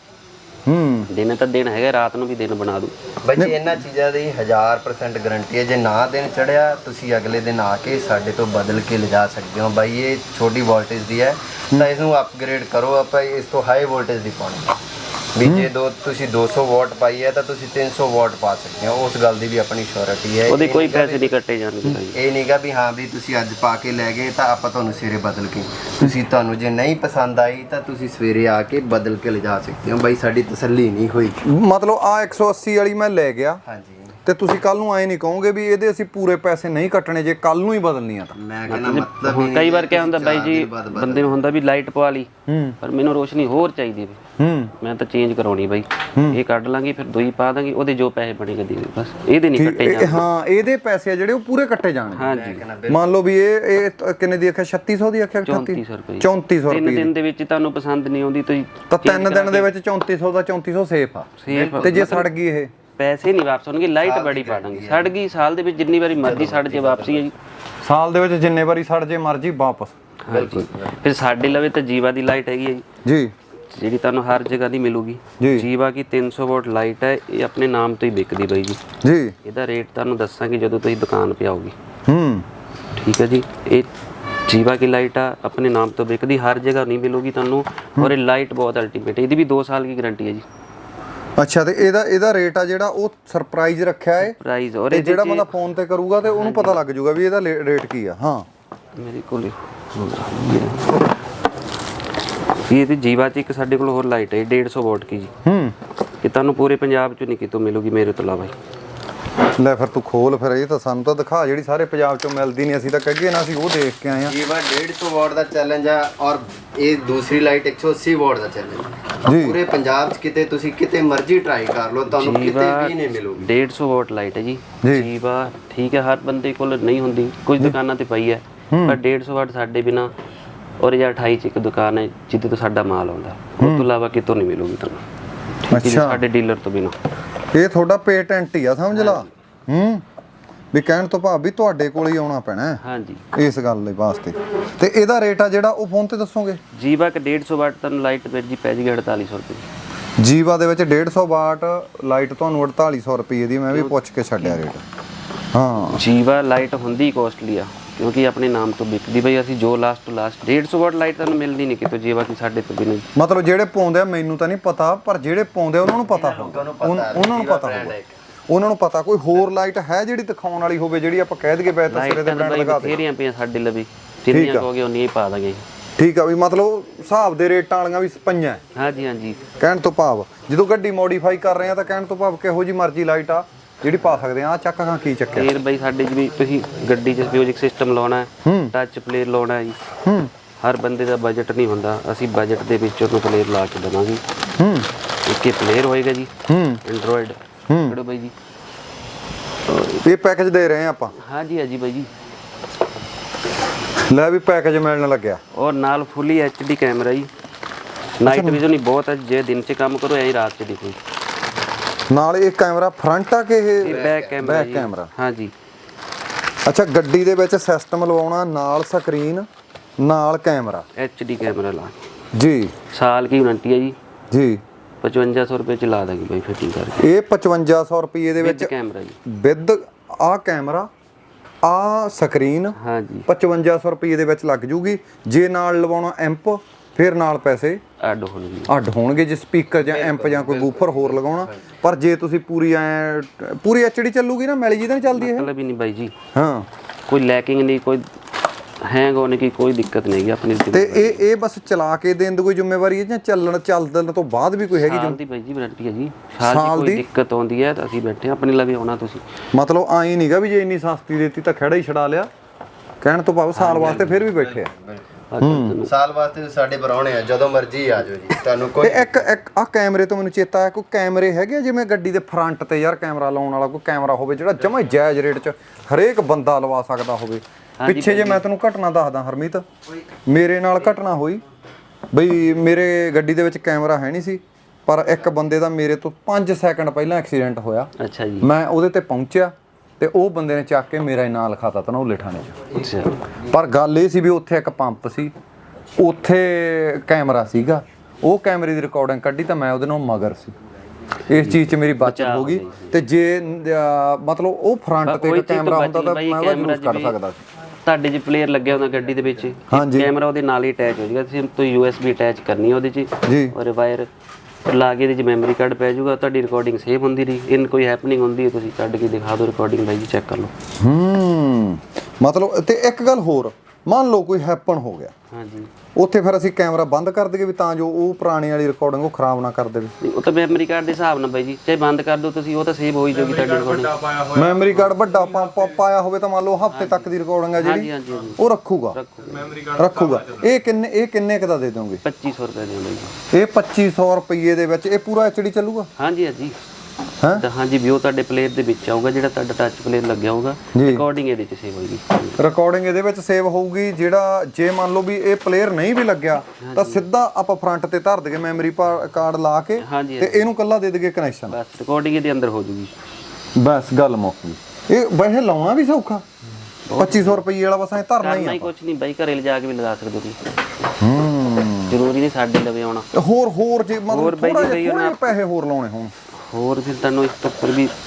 Speaker 1: ਦਿਨ ਤਾਂ ਦਿਨ ਹੈਗਾ, ਰਾਤ ਨੂੰ ਵੀ ਦਿਨ ਬਣਾ ਦੂ।
Speaker 3: ਬਾਈ ਜੀ ਇਹਨਾਂ ਚੀਜ਼ਾਂ ਦੀ 1000% ਗਾਰੰਟੀ ਹੈ। ਜੇ ਨਾ ਦਿਨ ਚੜਿਆ ਤੁਸੀਂ ਅਗਲੇ ਦਿਨ ਆ ਕੇ ਸਾਡੇ ਤੋਂ ਬਦਲ ਕੇ ਲਿਜਾ ਸਕਦੇ ਹੋ। ਬਾਈ ਇਹ ਛੋਟੀ ਵੋਲਟੇਜ ਦੀ ਹੈ ਤਾਂ ਇਸ ਨੂੰ ਅਪਗ੍ਰੇਡ ਕਰੋ, ਆਪਾਂ ਇਸ ਤੋਂ ਹਾਈ ਵੋਲਟੇਜ ਦੀ ਪਾਉਣੀ ਵੀ ਜੇ ਤੁਸੀਂ 200 ਵਾਟ ਪਾਈ ਹੈ ਤਾਂ ਤੁਸੀਂ 300 ਵਾਟ ਪਾ ਸਕਦੇ ਹੋ। ਉਸ ਗੱਲ ਦੀ ਵੀ ਆਪਣੀ ਸ਼ੋਰਿਟੀ ਹੈ।
Speaker 1: ਉਹਦੇ ਕੋਈ ਪੈਸੇ ਨਹੀਂ ਕੱਟੇ ਜਾਣਗੇ ਬਾਈ।
Speaker 3: ਇਹ ਨਹੀਂਗਾ ਵੀ ਹਾਂ ਵੀ ਤੁਸੀਂ ਅੱਜ ਪਾ ਕੇ ਲੈ ਗਏ ਤਾਂ ਆਪਾਂ ਤੁਹਾਨੂੰ ਸਵੇਰੇ ਬਦਲ ਕੇ, ਤੁਹਾਨੂੰ ਜੇ ਨਹੀਂ ਪਸੰਦ ਆਈ ਤਾਂ ਤੁਸੀਂ ਸਵੇਰੇ ਆ ਕੇ ਬਦਲ ਕੇ ਲਿਜਾ ਸਕਦੇ ਹੋ। ਬਾਈ ਸਾਡੀ ਤਸੱਲੀ ਨਹੀਂ ਹੋਈ।
Speaker 2: ਮਤਲਬ ਆ 180 ਵਾਲੀ ਮੈਂ ਲੈ ਗਿਆ
Speaker 3: ਹਾਂਜੀ
Speaker 2: ਤੇ ਤੁਸੀਂ ਕੱਲ ਨੂੰ ਆਏ ਨਹੀਂ ਕਹੋਗੇ ਵੀ ਇਹਦੇ ਅਸੀਂ ਪੂਰੇ ਪੈਸੇ ਨਹੀਂ ਕੱਟਣੇ ਜੇ ਕੱਲ ਨੂੰ ਹੀ ਬਦਲਣੀ ਆ ਤਾਂ?
Speaker 3: ਮੈਂ ਕਹਿੰਦਾ ਮਤਲਬ
Speaker 1: ਹੁਣ ਕਈ ਵਾਰ ਕਿਆ ਹੁੰਦਾ ਬਾਈ ਜੀ, ਬੰਦੇ ਨੂੰ ਹੁੰਦਾ ਵੀ ਲਾਈਟ ਪਵਾ ਲਈ ਪਰ ਮੈਨੂੰ ਰੋਸ਼ਨੀ ਹੋਰ ਚਾਹੀਦੀ ਵੀ ਮੈਂ ਤਾਂ ਚੇਂਜ ਕਰਾਉਣੀ ਬਾਈ। ਇਹ ਕੱਢ ਲਾਂਗੇ ਫਿਰ ਦੂਈ ਪਾ ਦਾਂਗੇ, ਉਹਦੇ ਜੋ ਪੈਸੇ ਬਣੇਗਾ ਦੇ ਦਿਓ ਬਸ, ਇਹਦੇ ਨਹੀਂ ਕੱਟੇ ਜਾਣਗੇ।
Speaker 2: ਹਾਂ ਇਹਦੇ ਪੈਸੇ ਆ ਜਿਹੜੇ ਉਹ ਪੂਰੇ ਕੱਟੇ ਜਾਣਗੇ।
Speaker 1: ਹਾਂਜੀ
Speaker 2: ਮੰਨ ਲਓ ਵੀ ਇਹ ਕਿੰਨੇ ਦੀ ਆਖਿਆ? 3600 ਦੀ ਆਖਿਆ?
Speaker 1: 3400 ਰੁਪਏ।
Speaker 2: 3400
Speaker 1: ਤਿੰਨ
Speaker 2: ਰੁਪਏ
Speaker 1: ਦਿਨ ਦੇ ਵਿੱਚ ਤੁਹਾਨੂੰ ਪਸੰਦ ਨਹੀਂ ਆਉਂਦੀ ਤੁਸੀਂ
Speaker 2: ਤਾਂ 3 ਦਿਨ ਦੇ ਵਿੱਚ 3400 ਦਾ 3400 ਸੇਫ ਆ। ਤੇ ਜੇ ਸੜ ਗਈ ਇਹ?
Speaker 1: ਪੈਸੇ ਨਹੀਂ ਵਾਪਸ ਹੋਣਗੇ, ਲਾਈਟ ਬੜੀ ਪਾ ਦਾਂਗੇ। ਸੜ ਗਈ ਸਾਲ ਦੇ ਵਿੱਚ ਜਿੰਨੀ ਵਾਰੀ ਮਰਜ਼ੀ ਸੜ ਜੇ ਵਾਪਸੀ ਹੈ ਜੀ।
Speaker 2: ਸਾਲ ਦੇ ਵਿੱਚ ਜਿੰਨੇ ਵਾਰੀ ਸੜ ਜੇ ਮਰਜ਼ੀ ਵਾਪਸ?
Speaker 1: ਹਾਂਜੀ। ਫਿਰ ਸਾਡੇ ਲਵੇ ਤਾਂ ਜੀਵਾ ਦੀ ਲਾਈਟ ਹੈਗੀ ਹੈ
Speaker 2: ਜੀ
Speaker 1: ਜਿਹੜੀ ਤੁਹਾਨੂੰ ਹਰ ਜਗ੍ਹਾ ਦੀ ਮਿਲੂਗੀ। ਜੀਵਾ ਕੀ 300 ਵਾਟ ਲਾਈਟ ਹੈ, ਇਹ ਆਪਣੇ ਨਾਮ ਤੋਂ ਹੀ ਵਿਕਦੀ ਬਾਈ ਜੀ।
Speaker 2: ਜੀ
Speaker 1: ਇਹਦਾ ਰੇਟ ਤੁਹਾਨੂੰ ਦੱਸਾਂਗੇ ਜਦੋਂ ਤੁਸੀਂ ਦੁਕਾਨ 'ਤੇ ਆਓਗੇ। ਠੀਕ ਹੈ ਜੀ। ਇਹ ਜੀਵਾ ਕੀ ਲਾਈਟ ਆ, ਆਪਣੇ ਨਾਮ ਤੋਂ ਵਿਕਦੀ, ਹਰ ਜਗ੍ਹਾ ਨਹੀਂ ਮਿਲੂਗੀ ਤੁਹਾਨੂੰ। ਔਰ ਇਹ ਲਾਈਟ ਬਹੁਤ ਅਲਟੀਮੇਟ, ਇਹਦੀ ਵੀ 2 ਸਾਲ ਦੀ ਗਾਰੰਟੀ ਹੈ ਜੀ।
Speaker 2: ਅੱਛਾ ਤੇ ਇਹਦਾ ਰੇਟ ਆ ਜਿਹੜਾ ਉਹ ਸਰਪ੍ਰਾਈਜ਼ ਰੱਖਿਆ ਹੈ
Speaker 1: ਪ੍ਰਾਈਸ। ਔਰ
Speaker 2: ਇਹ ਜਿਹੜਾ ਬੰਦਾ ਫੋਨ ਤੇ ਕਰੂਗਾ ਤੇ ਉਹਨੂੰ ਪਤਾ ਲੱਗ ਜਾਊਗਾ ਵੀ ਇਹਦਾ ਰੇਟ ਕੀ ਆ। ਹਾਂ
Speaker 1: ਮੇਰੇ ਕੋਲ ਇਹ ਤੇ ਜੀਵਾ 'ਚ ਇੱਕ ਸਾਡੇ ਕੋਲ ਹੋਰ ਲਾਈਟ ਹੈ 150 ਵਾਟ ਕੀ ਜੀ। ਇਹ ਤੁਹਾਨੂੰ ਪੂਰੇ ਪੰਜਾਬ 'ਚ ਨਹੀਂ ਕਿਤੋਂ ਮਿਲੂਗੀ ਮੇਰੇ ਤੋਂ ਇਲਾਵਾ।
Speaker 2: ਲੈ ਫਿਰ ਤੂੰ ਖੋਲ, ਫਿਰ ਇਹ ਤਾਂ ਸਾਨੂੰ ਤਾਂ ਦਿਖਾ ਜਿਹੜੀ ਸਾਰੇ ਪੰਜਾਬ 'ਚੋਂ ਮਿਲਦੀ ਨਹੀਂ। ਅਸੀਂ ਤਾਂ ਕਹੀਏ ਨਾ ਅਸੀਂ ਉਹ ਦੇਖ ਕੇ ਆਏ ਆ।
Speaker 3: ਜੀਵਾ 150 ਵਾਟ ਦਾ ਚੈਲੰਜ ਆ ਔਰ ਇਹ ਦੂਸਰੀ ਲਾਈਟ 180 ਵਾਟ ਦਾ ਚੈਲੰਜ
Speaker 2: ਜੀ।
Speaker 3: ਪੂਰੇ ਪੰਜਾਬ 'ਚ ਕਿਤੇ ਤੁਸੀਂ ਕਿਤੇ ਮਰਜ਼ੀ ਟਰਾਈ ਕਰ ਲਓ, ਤੁਹਾਨੂੰ ਕਿਤੇ ਵੀ ਨਹੀਂ ਮਿਲੂਗੀ।
Speaker 1: 150 ਵਾਟ ਲਾਈਟ ਹੈ ਜੀ ਜੀਵਾ। ਠੀਕ ਹੈ ਹਰ ਬੰਦੇ ਕੋਲ ਨਹੀਂ ਹੁੰਦੀ, ਕੁਝ ਦੁਕਾਨਾਂ ਤੇ ਪਈ ਹੈ ਪਰ 150 ਵਾਟ ਸਾਡੇ ਬਿਨਾ। ਔਰ ਇਹ 28 ਚ ਇੱਕ ਦੁਕਾਨ ਹੈ ਜਿੱਥੇ ਤੋਂ ਸਾਡਾ ਮਾਲ ਆਉਂਦਾ, ਉਸ ਤੋਂ ਇਲਾਵਾ ਕਿਤੋਂ ਨਹੀਂ ਮਿਲੂਗੀ ਤੁਹਾਨੂੰ। ਅੱਛਾ ਸਾਡੇ ਡੀਲਰ ਤੋਂ ਬਿਨਾ।
Speaker 2: ਇਹ ਤੁਹਾਡਾ ਪੇਟੈਂਟ ਹੀ ਆ, ਸਮਝ ਲਾ। ਵੀ ਕਹਿਣ ਤੋਂ ਭਾਵ ਵੀ ਤੁਹਾਡੇ ਕੋਲ ਹੀ ਆਉਣਾ ਪੈਣਾ
Speaker 1: ਹਾਂਜੀ
Speaker 2: ਇਸ ਗੱਲ ਦੇ ਵਾਸਤੇ। ਤੇ ਇਹਦਾ ਰੇਟ ਆ ਜਿਹੜਾ ਉਹ ਫੋਨ ਤੇ ਦੱਸੋਗੇ?
Speaker 1: ਜੀਵਾ ਕ 150 ਵਾਟ ਤੁਹਾਨੂੰ ਲਾਈਟ ਜੀ ਪੈ ਜੀ 4800 ਰੁਪਏ।
Speaker 2: ਜੀਵਾ ਦੇ ਵਿੱਚ 150 ਵਾਟ ਲਾਈਟ ਤੁਹਾਨੂੰ 4800 ਰੁਪਏ ਦੀ। ਮੈਂ ਵੀ ਪੁੱਛ ਕੇ ਛੱਡਿਆ ਰੇਟ। ਹਾਂ
Speaker 1: ਜੀਵਾ ਲਾਈਟ ਹੁੰਦੀ ਕੋਸਟਲੀ ਆ ਕਿਉਂਕਿ ਆਪਣੇ ਨਾਮ ਤੋਂ ਵਿਕਦੀ ਬਈ। ਅਸੀਂ ਜੋ ਲਾਸਟ ਤੋਂ ਲਾਸਟ 150 ਵਾਟ ਲਾਈਟ ਤੁਹਾਨੂੰ ਮਿਲਦੀ ਨਹੀਂ ਕਿਤੋਂ ਜੀਵਾ ਕੀ ਸਾਡੇ ਤੋਂ ਬਿਨਾਂ।
Speaker 2: ਮਤਲਬ ਜਿਹੜੇ ਪਾਉਂਦੇ ਆ ਮੈਨੂੰ ਤਾਂ ਨਹੀਂ ਪਤਾ, ਪਰ ਜਿਹੜੇ ਪਾਉਂਦੇ ਉਹਨਾਂ ਨੂੰ ਪਤਾ ਹੋਊਗਾ। ਉਹਨਾਂ ਨੂੰ ਪਤਾ ਹੋਊਗਾ, ਉਹਨਾਂ ਨੂੰ ਪਤਾ। ਕੋਈ ਹੋਰ ਲਾਈਟ ਹੈ ਜਿਹੜੀ ਦਿਖਾਉਣ ਵਾਲੀ ਹੋਵੇ ਜਿਹੜੀ ਆਪਾਂ ਕਹਿ ਦਈਏ ਬੈ ਤਸਰੇ ਦੇ ਬ੍ਰਾਂਡ ਲਗਾ ਦੇ?
Speaker 1: ਫੇਰੀਆਂ ਪਈਆਂ ਸਾਡੇ ਲਵੇ, ਜਿੰਨੀਆਂ ਕਹੋਗੇ ਉਨੀਆਂ ਹੀ ਪਾ ਦਾਂਗੇ।
Speaker 2: ਠੀਕ ਆ ਵੀ ਮਤਲਬ ਹਿਸਾਬ ਦੇ ਰੇਟਾਂ ਵਾਲੀਆਂ ਵੀ ਪਈਆਂ।
Speaker 1: ਹਾਂਜੀ ਹਾਂਜੀ।
Speaker 2: ਕਹਿਣ ਤੋਂ ਭਾਵ ਜਦੋਂ ਗੱਡੀ ਮੋਡੀਫਾਈ ਕਰ ਰਹੇ ਆ ਤਾਂ ਕਹਿਣ ਤੋਂ ਭਾਵ ਕਿਹੋ ਜੀ ਮਰਜ਼ੀ ਲਾਈਟ ਆ ਜਿਹੜੀ ਪਾ ਸਕਦੇ ਆ। ਚੱਕ ਖਾਂ ਕੀ ਚੱਕਿਆ
Speaker 1: ਫੇਰ ਬਈ ਸਾਡੇ ਜਿਵੇਂ ਤੁਸੀਂ ਗੱਡੀ 'ਚ ਮਿਊਜ਼ਿਕ ਸਿਸਟਮ ਲਾਉਣਾ ਹੈ, ਟੱਚ ਪਲੇਅਰ ਲਾਉਣਾ ਹੈ ਜੀ। ਹਰ ਬੰਦੇ ਦਾ ਬਜਟ ਨਹੀਂ ਹੁੰਦਾ, ਅਸੀਂ ਬਜਟ ਦੇ ਵਿੱਚ ਉਹਨੂੰ ਪਲੇਅਰ ਲਾ ਕੇ ਦੇਵਾਂਗੇ। ਇੱਕ ਹੀ ਪਲੇਅਰ ਹੋਏਗਾ ਜੀ ਐਂਡਰੋਇਡ। ਕਿਹੜਾ ਬਾਈ ਜੀ
Speaker 2: ਇਹ ਪੈਕੇਜ ਦੇ ਰਹੇ ਆ ਆਪਾਂ?
Speaker 1: ਹਾਂਜੀ ਹਾਂਜੀ ਬਾਈ ਜੀ।
Speaker 2: ਲੈ ਵੀ ਪੈਕੇਜ ਮਿਲਣ ਲੱਗਿਆ।
Speaker 1: ਔਰ ਨਾਲ ਫੁੱਲੀ HD ਕੈਮਰਾ ਜੀ। ਨਾਈਟ ਵਿਜ਼ਨ ਹੀ ਬਹੁਤ ਹੈ, ਜੇ ਦਿਨ 'ਚ ਕੰਮ ਕਰੋ ਐਂ ਰਾਤ 'ਚ ਦਿਖੋ।
Speaker 2: ਨਾਲ ਇਹ ਕੈਮਰਾ ਫਰੰਟ ਆ ਕਿ ਇਹ
Speaker 1: ਬੈਕ ਕੈਮਰਾ?
Speaker 2: Back camera.
Speaker 1: ਹਾਂਜੀ।
Speaker 2: ਅੱਛਾ ਗੱਡੀ ਦੇ ਵਿੱਚ ਸਿਸਟਮ ਲਵਾਉਣਾ, ਨਾਲ ਸਕਰੀਨ, ਨਾਲ ਕੈਮਰਾ।
Speaker 1: HD ਕੈਮਰਾ ਲਾ
Speaker 2: ਜੀ।
Speaker 1: ਸਾਲ ਕੀ ਵਾਰੰਟੀ ਹੈ ਜੀ।
Speaker 2: ਜੀ
Speaker 1: 5500 ਰੁਪਏ 'ਚ ਲਾ ਦਾਂਗੇ ਬਾਈ ਫਿਟਿੰਗ ਕਰਕੇ।
Speaker 2: ਇਹ 5500 ਰੁਪਏ ਦੇ ਵਿੱਚ
Speaker 1: ਕੈਮਰਾ ਜੀ
Speaker 2: ਵਿਦ ਆ ਕੈਮਰਾ ਆ ਸਕਰੀਨ
Speaker 1: ਹਾਂਜੀ
Speaker 2: 5500 ਰੁਪਏ ਦੇ ਵਿੱਚ ਲੱਗ ਜੂਗੀ। ਜੇ ਨਾਲ ਲਵਾਉਣਾ ਐਂਪ ਫਿਰ ਨਾਲ ਪੈਸੇ
Speaker 1: ਅੱਡ ਹੋਣਗੇ।
Speaker 2: ਅੱਡ ਹੋਣਗੇ ਜੇ ਸਪੀਕਰ ਜਾਂ ਐਂਪ ਜਾਂ ਕੋਈ ਬੂਫਰ ਹੋਰ ਲਗਾਉਣਾ। ਪਰ ਜੇ ਤੁਸੀਂ ਪੂਰੀ ਐਚਡੀ ਚੱਲੂਗੀ ਨਾ, ਮੈਲੀ ਜੀ ਤਾਂ ਨਹੀਂ ਚੱਲਦੀ ਇਹ?
Speaker 1: ਮਤਲਬ ਹੀ ਨਹੀਂ ਬਾਈ ਜੀ,
Speaker 2: ਹਾਂ
Speaker 1: ਕੋਈ ਲੈਕਿੰਗ नहीं, कोई हैंग होने की कोई दिक्कत नहीं है अपनी।
Speaker 2: ਤੇ ਇਹ ਬਸ ਚਲਾ ਕੇ ਦੇਣ ਦੀ ਕੋਈ ਜ਼ਿੰਮੇਵਾਰੀ ਹੈ ਜਾਂ ਚੱਲਣ ਤੋਂ ਬਾਅਦ ਵੀ ਕੋਈ ਹੈਗੀ?
Speaker 1: ਸਾਲ ਦੀ ਬਾਈ ਜੀ ਵਾਰੰਟੀ ਹੈ ਜੀ, ਸਾਲ ਦੀ ਕੋਈ ਦਿੱਕਤ ਆਉਂਦੀ ਹੈ ਤਾਂ ਅਸੀਂ ਬੈਠੇ ਆਪਣੇ ਲਵੇ ਆਉਣਾ ਤੁਸੀਂ।
Speaker 2: ਮਤਲਬ ਆਈ ਨਹੀਂਗਾ ਵੀ ਜੇ ਇੰਨੀ ਸਸਤੀ ਦਿੱਤੀ ਤਾਂ ਖੜਾ ਹੀ ਛਡਾ ਲਿਆ, ਕਹਿਣ ਤੋਂ ਭਾਵ ਸਾਲ ਵਾਸਤੇ ਫਿਰ ਵੀ ਬੈਠੇ ਆ।
Speaker 3: ਸਾਲ ਵਾਸਤੇ ਸਾਡੇ ਬਰਾਉਣੇ ਆ, ਜਦੋਂ ਮਰਜ਼ੀ ਆ ਜਾਓ ਜੀ, ਤੁਹਾਨੂੰ
Speaker 2: ਤੇ
Speaker 3: ਕੋਈ
Speaker 2: ਇੱਕ ਆ ਕੈਮਰੇ ਤੋਂ ਮੈਨੂੰ ਚੇਤਾ ਆਇਆ, ਕੋਈ ਕੈਮਰੇ ਹੈਗੇ ਜਿਵੇਂ ਗੱਡੀ ਦੇ ਫਰੰਟ ਤੇ ਯਾਰ ਕੈਮਰਾ ਲਾਉਣ ਵਾਲਾ ਕੋਈ ਕੈਮਰਾ ਹੋਵੇ ਜਿਹੜਾ ਜਮਾਂ ਜਾਇਜ਼ ਰੇਟ 'ਚ ਹਰੇਕ ਬੰਦਾ ਲਵਾ ਸਕਦਾ ਹੋਵੇ? ਪਿੱਛੇ ਜੇ ਮੈਂ ਤੈਨੂੰ ਘਟਨਾ ਦੱਸਦਾ ਹਰਮੀਤ, ਮੇਰੇ ਨਾਲ ਘਟਨਾ ਹੋਈ ਬਈ ਮੇਰੇ ਗੱਡੀ ਦੇ ਵਿੱਚ ਕੈਮਰਾ ਹੈ ਨਹੀਂ ਸੀ, ਪਰ ਇੱਕ ਬੰਦੇ ਦਾ ਮੇਰੇ ਤੋਂ 5 ਸੈਕਿੰਡ ਪਹਿਲਾਂ ਐਕਸੀਡੈਂਟ ਹੋਇਆ।
Speaker 1: ਅੱਛਾ ਜੀ।
Speaker 2: ਮੈਂ ਉਹਦੇ ਤੇ ਪਹੁੰਚਿਆ ਤੇ ਉਹ ਬੰਦੇ ਨੇ ਚੱਕ ਕੇ ਮੇਰਾ ਨਾਂ ਲਿਖਾਤਾ ਧਨੌਲੇ ਥਾਣੇ 'ਚ।
Speaker 1: ਅੱਛਾ।
Speaker 2: ਪਰ ਗੱਲ ਇਹ ਸੀ ਵੀ ਉੱਥੇ ਇੱਕ ਪੰਪ ਸੀ, ਉੱਥੇ ਕੈਮਰਾ ਸੀਗਾ, ਉਹ ਕੈਮਰੇ ਦੀ ਰਿਕਾਰਡਿੰਗ ਕੱਢੀ ਤਾਂ ਮੈਂ ਉਹਦੇ ਨਾਲ ਮਗਰ ਸੀ। ਇਸ ਚੀਜ਼ 'ਚ ਮੇਰੀ ਬਚਤ ਹੋ ਗਈ। ਤੇ ਜੇ ਮਤਲਬ ਉਹ ਫਰੰਟ ਤੇ ਕੈਮਰਾ ਹੁੰਦਾ ਤਾਂ ਮੈਂ ਉਹ ਯੂਜ਼ ਕਰ ਸਕਦਾ ਸੀ।
Speaker 1: ਤੁਹਾਡੇ ਜੇ ਪਲੇਅਰ ਲੱਗਿਆ ਹੁੰਦਾ ਗੱਡੀ ਦੇ ਵਿੱਚ, ਕੈਮਰਾ ਉਹਦੇ ਨਾਲ ਹੀ ਅਟੈਚ ਹੋ ਜਾਏਗਾ, ਤੁਸੀਂ ਤੁਸੀਂ USB ਅਟੈਚ ਕਰਨੀ ਹੈ ਉਹਦੇ 'ਚ
Speaker 2: ਜੀ,
Speaker 1: ਔਰ ਵਾਇਰ ਲਾ ਕੇ ਇਹਦੇ 'ਚ ਮੈਮਰੀ ਕਾਰਡ ਪੈ ਜਾਊਗਾ, ਤੁਹਾਡੀ ਰਿਕਾਰਡਿੰਗ ਸੇਵ ਹੁੰਦੀ ਰਹੀ। ਇਨ ਕੋਈ ਹੈਪਨਿੰਗ ਹੁੰਦੀ ਹੈ ਤੁਸੀਂ ਕੱਢ ਕੇ ਦਿਖਾ ਦਿਓ ਰਿਕਾਰਡਿੰਗ, ਬਾਈ ਜੀ ਚੈੱਕ ਕਰ ਲਓ।
Speaker 2: ਮਤਲਬ ਤੇ ਇੱਕ ਗੱਲ ਹੋਰ, ਮੰਨ ਲਓ ਕੋਈ ਹੈਪਨ ਹੋ ਗਿਆ,
Speaker 1: ਹਾਂਜੀ,
Speaker 2: ਉੱਥੇ ਫਿਰ ਅਸੀਂ ਕੈਮਰਾ ਬੰਦ ਕਰ ਦਈਏ ਵੀ ਤਾਂ ਜੋ ਉਹ ਪੁਰਾਣੀ ਵਾਲੀ ਰਿਕਾਰਡਿੰਗ ਉਹ ਖਰਾਬ ਨਾ ਕਰ ਦੇਵੇ?
Speaker 1: ਉਹ ਤਾਂ ਮੈਮਰੀ ਕਾਰਡ ਦੇ ਹਿਸਾਬ ਨਾਲ ਬਾਈ ਜੀ, ਚਾਹੇ ਬੰਦ ਕਰ ਦਿਓ ਤੁਸੀਂ, ਉਹ ਤਾਂ ਸੇਵ ਹੋ ਹੀ ਜਾਊਗੀ ਤੁਹਾਡੀ ਰਿਕਾਰਡਿੰਗ।
Speaker 2: ਮੈਮਰੀ ਕਾਰਡ ਵੱਡਾ ਪਾਇਆ ਹੋਵੇ ਤਾਂ ਮੰਨ ਲਓ ਹਫ਼ਤੇ ਤੱਕ ਦੀ ਰਿਕਾਰਡਿੰਗ ਹੈ ਜਿਹੜੀ ਉਹ ਰੱਖੂਗਾ। ਇਹ ਕਿੰਨੇ ਕੁ ਦਾ ਦੇ ਦੋਗੇ?
Speaker 1: 2500 ਰੁਪਏ ਦੇ ਬਾਈ ਜੀ।
Speaker 2: ਇਹ 2500 ਰੁਪਏ ਦੇ ਵਿੱਚ ਇਹ ਪੂਰਾ ਐਚਡੀ ਚੱਲੂਗਾ?
Speaker 1: ਹਾਂਜੀ ਹਾਂਜੀ। ਤਾਂ ਹਾਂਜੀ ਵੀ ਉਹ ਤੁਹਾਡੇ ਪਲੇਅਰ ਦੇ ਵਿੱਚ ਆਊਗਾ, ਜਿਹੜਾ ਤੁਹਾਡਾ ਟੱਚ ਪਲੇਅਰ ਲੱਗਿਆ ਹੋਊਗਾ, ਰਿਕਾਰਡਿੰਗ ਇਹਦੇ 'ਚ ਸੇਵ ਹੋਏਗੀ।
Speaker 2: ਰਿਕਾਰਡਿੰਗ ਇਹਦੇ ਵਿੱਚ ਸੇਵ ਹੋਊਗੀ। ਜਿਹੜਾ ਜੇ ਮੰਨ ਲਓ ਵੀ ਇਹ ਪਲੇਅਰ ਨਹੀਂ ਵੀ ਲੱਗਿਆ ਤਾਂ ਸਿੱਧਾ ਆਪਾਂ ਫਰੰਟ ਤੇ ਧਰ ਦਈਏ ਮੈਮਰੀ ਕਾਰਡ ਲਾ ਕੇ ਤੇ ਇਹਨੂੰ ਕੱਲਾ ਦੇ ਦਈਏ ਕਨੈਕਸ਼ਨ,
Speaker 1: ਬਸ ਰਿਕਾਰਡਿੰਗ ਇਹਦੇ ਅੰਦਰ ਹੋ ਜੂਗੀ।
Speaker 2: ਬਸ ਗੱਲ ਮੁੱਕ ਗਈ। ਇਹ ਵੈਸੇ ਲਾਉਣਾ ਵੀ ਸੌਖਾ, 2500 ਰੁਪਏ ਵਾਲਾ ਬਸ ਐ ਧਰਨਾ ਹੀ ਆ।
Speaker 1: ਕੁਝ ਨਹੀਂ ਬਾਈ, ਘਰੇ ਲਿਜਾ ਕੇ ਵੀ ਲਗਾ ਸਕਦੇ ਹੋ ਤੁਸੀਂ, ਜ਼ਰੂਰੀ ਨਹੀਂ ਸਾਡੇ ਲਵੇ ਆਉਣਾ।
Speaker 2: ਹੋਰ ਜੇ ਮਤਲਬ ਥੋੜਾ ਜਿਹਾ ਪੈਸੇ ਹੋਰ ਲਾਉਣੇ ਹੋਣ
Speaker 1: ਹੋਰ ਫਿਰ ਤੁਹਾਨੂੰ ਇਸ ਤੋਂ ਉੱਪਰ ਵੀ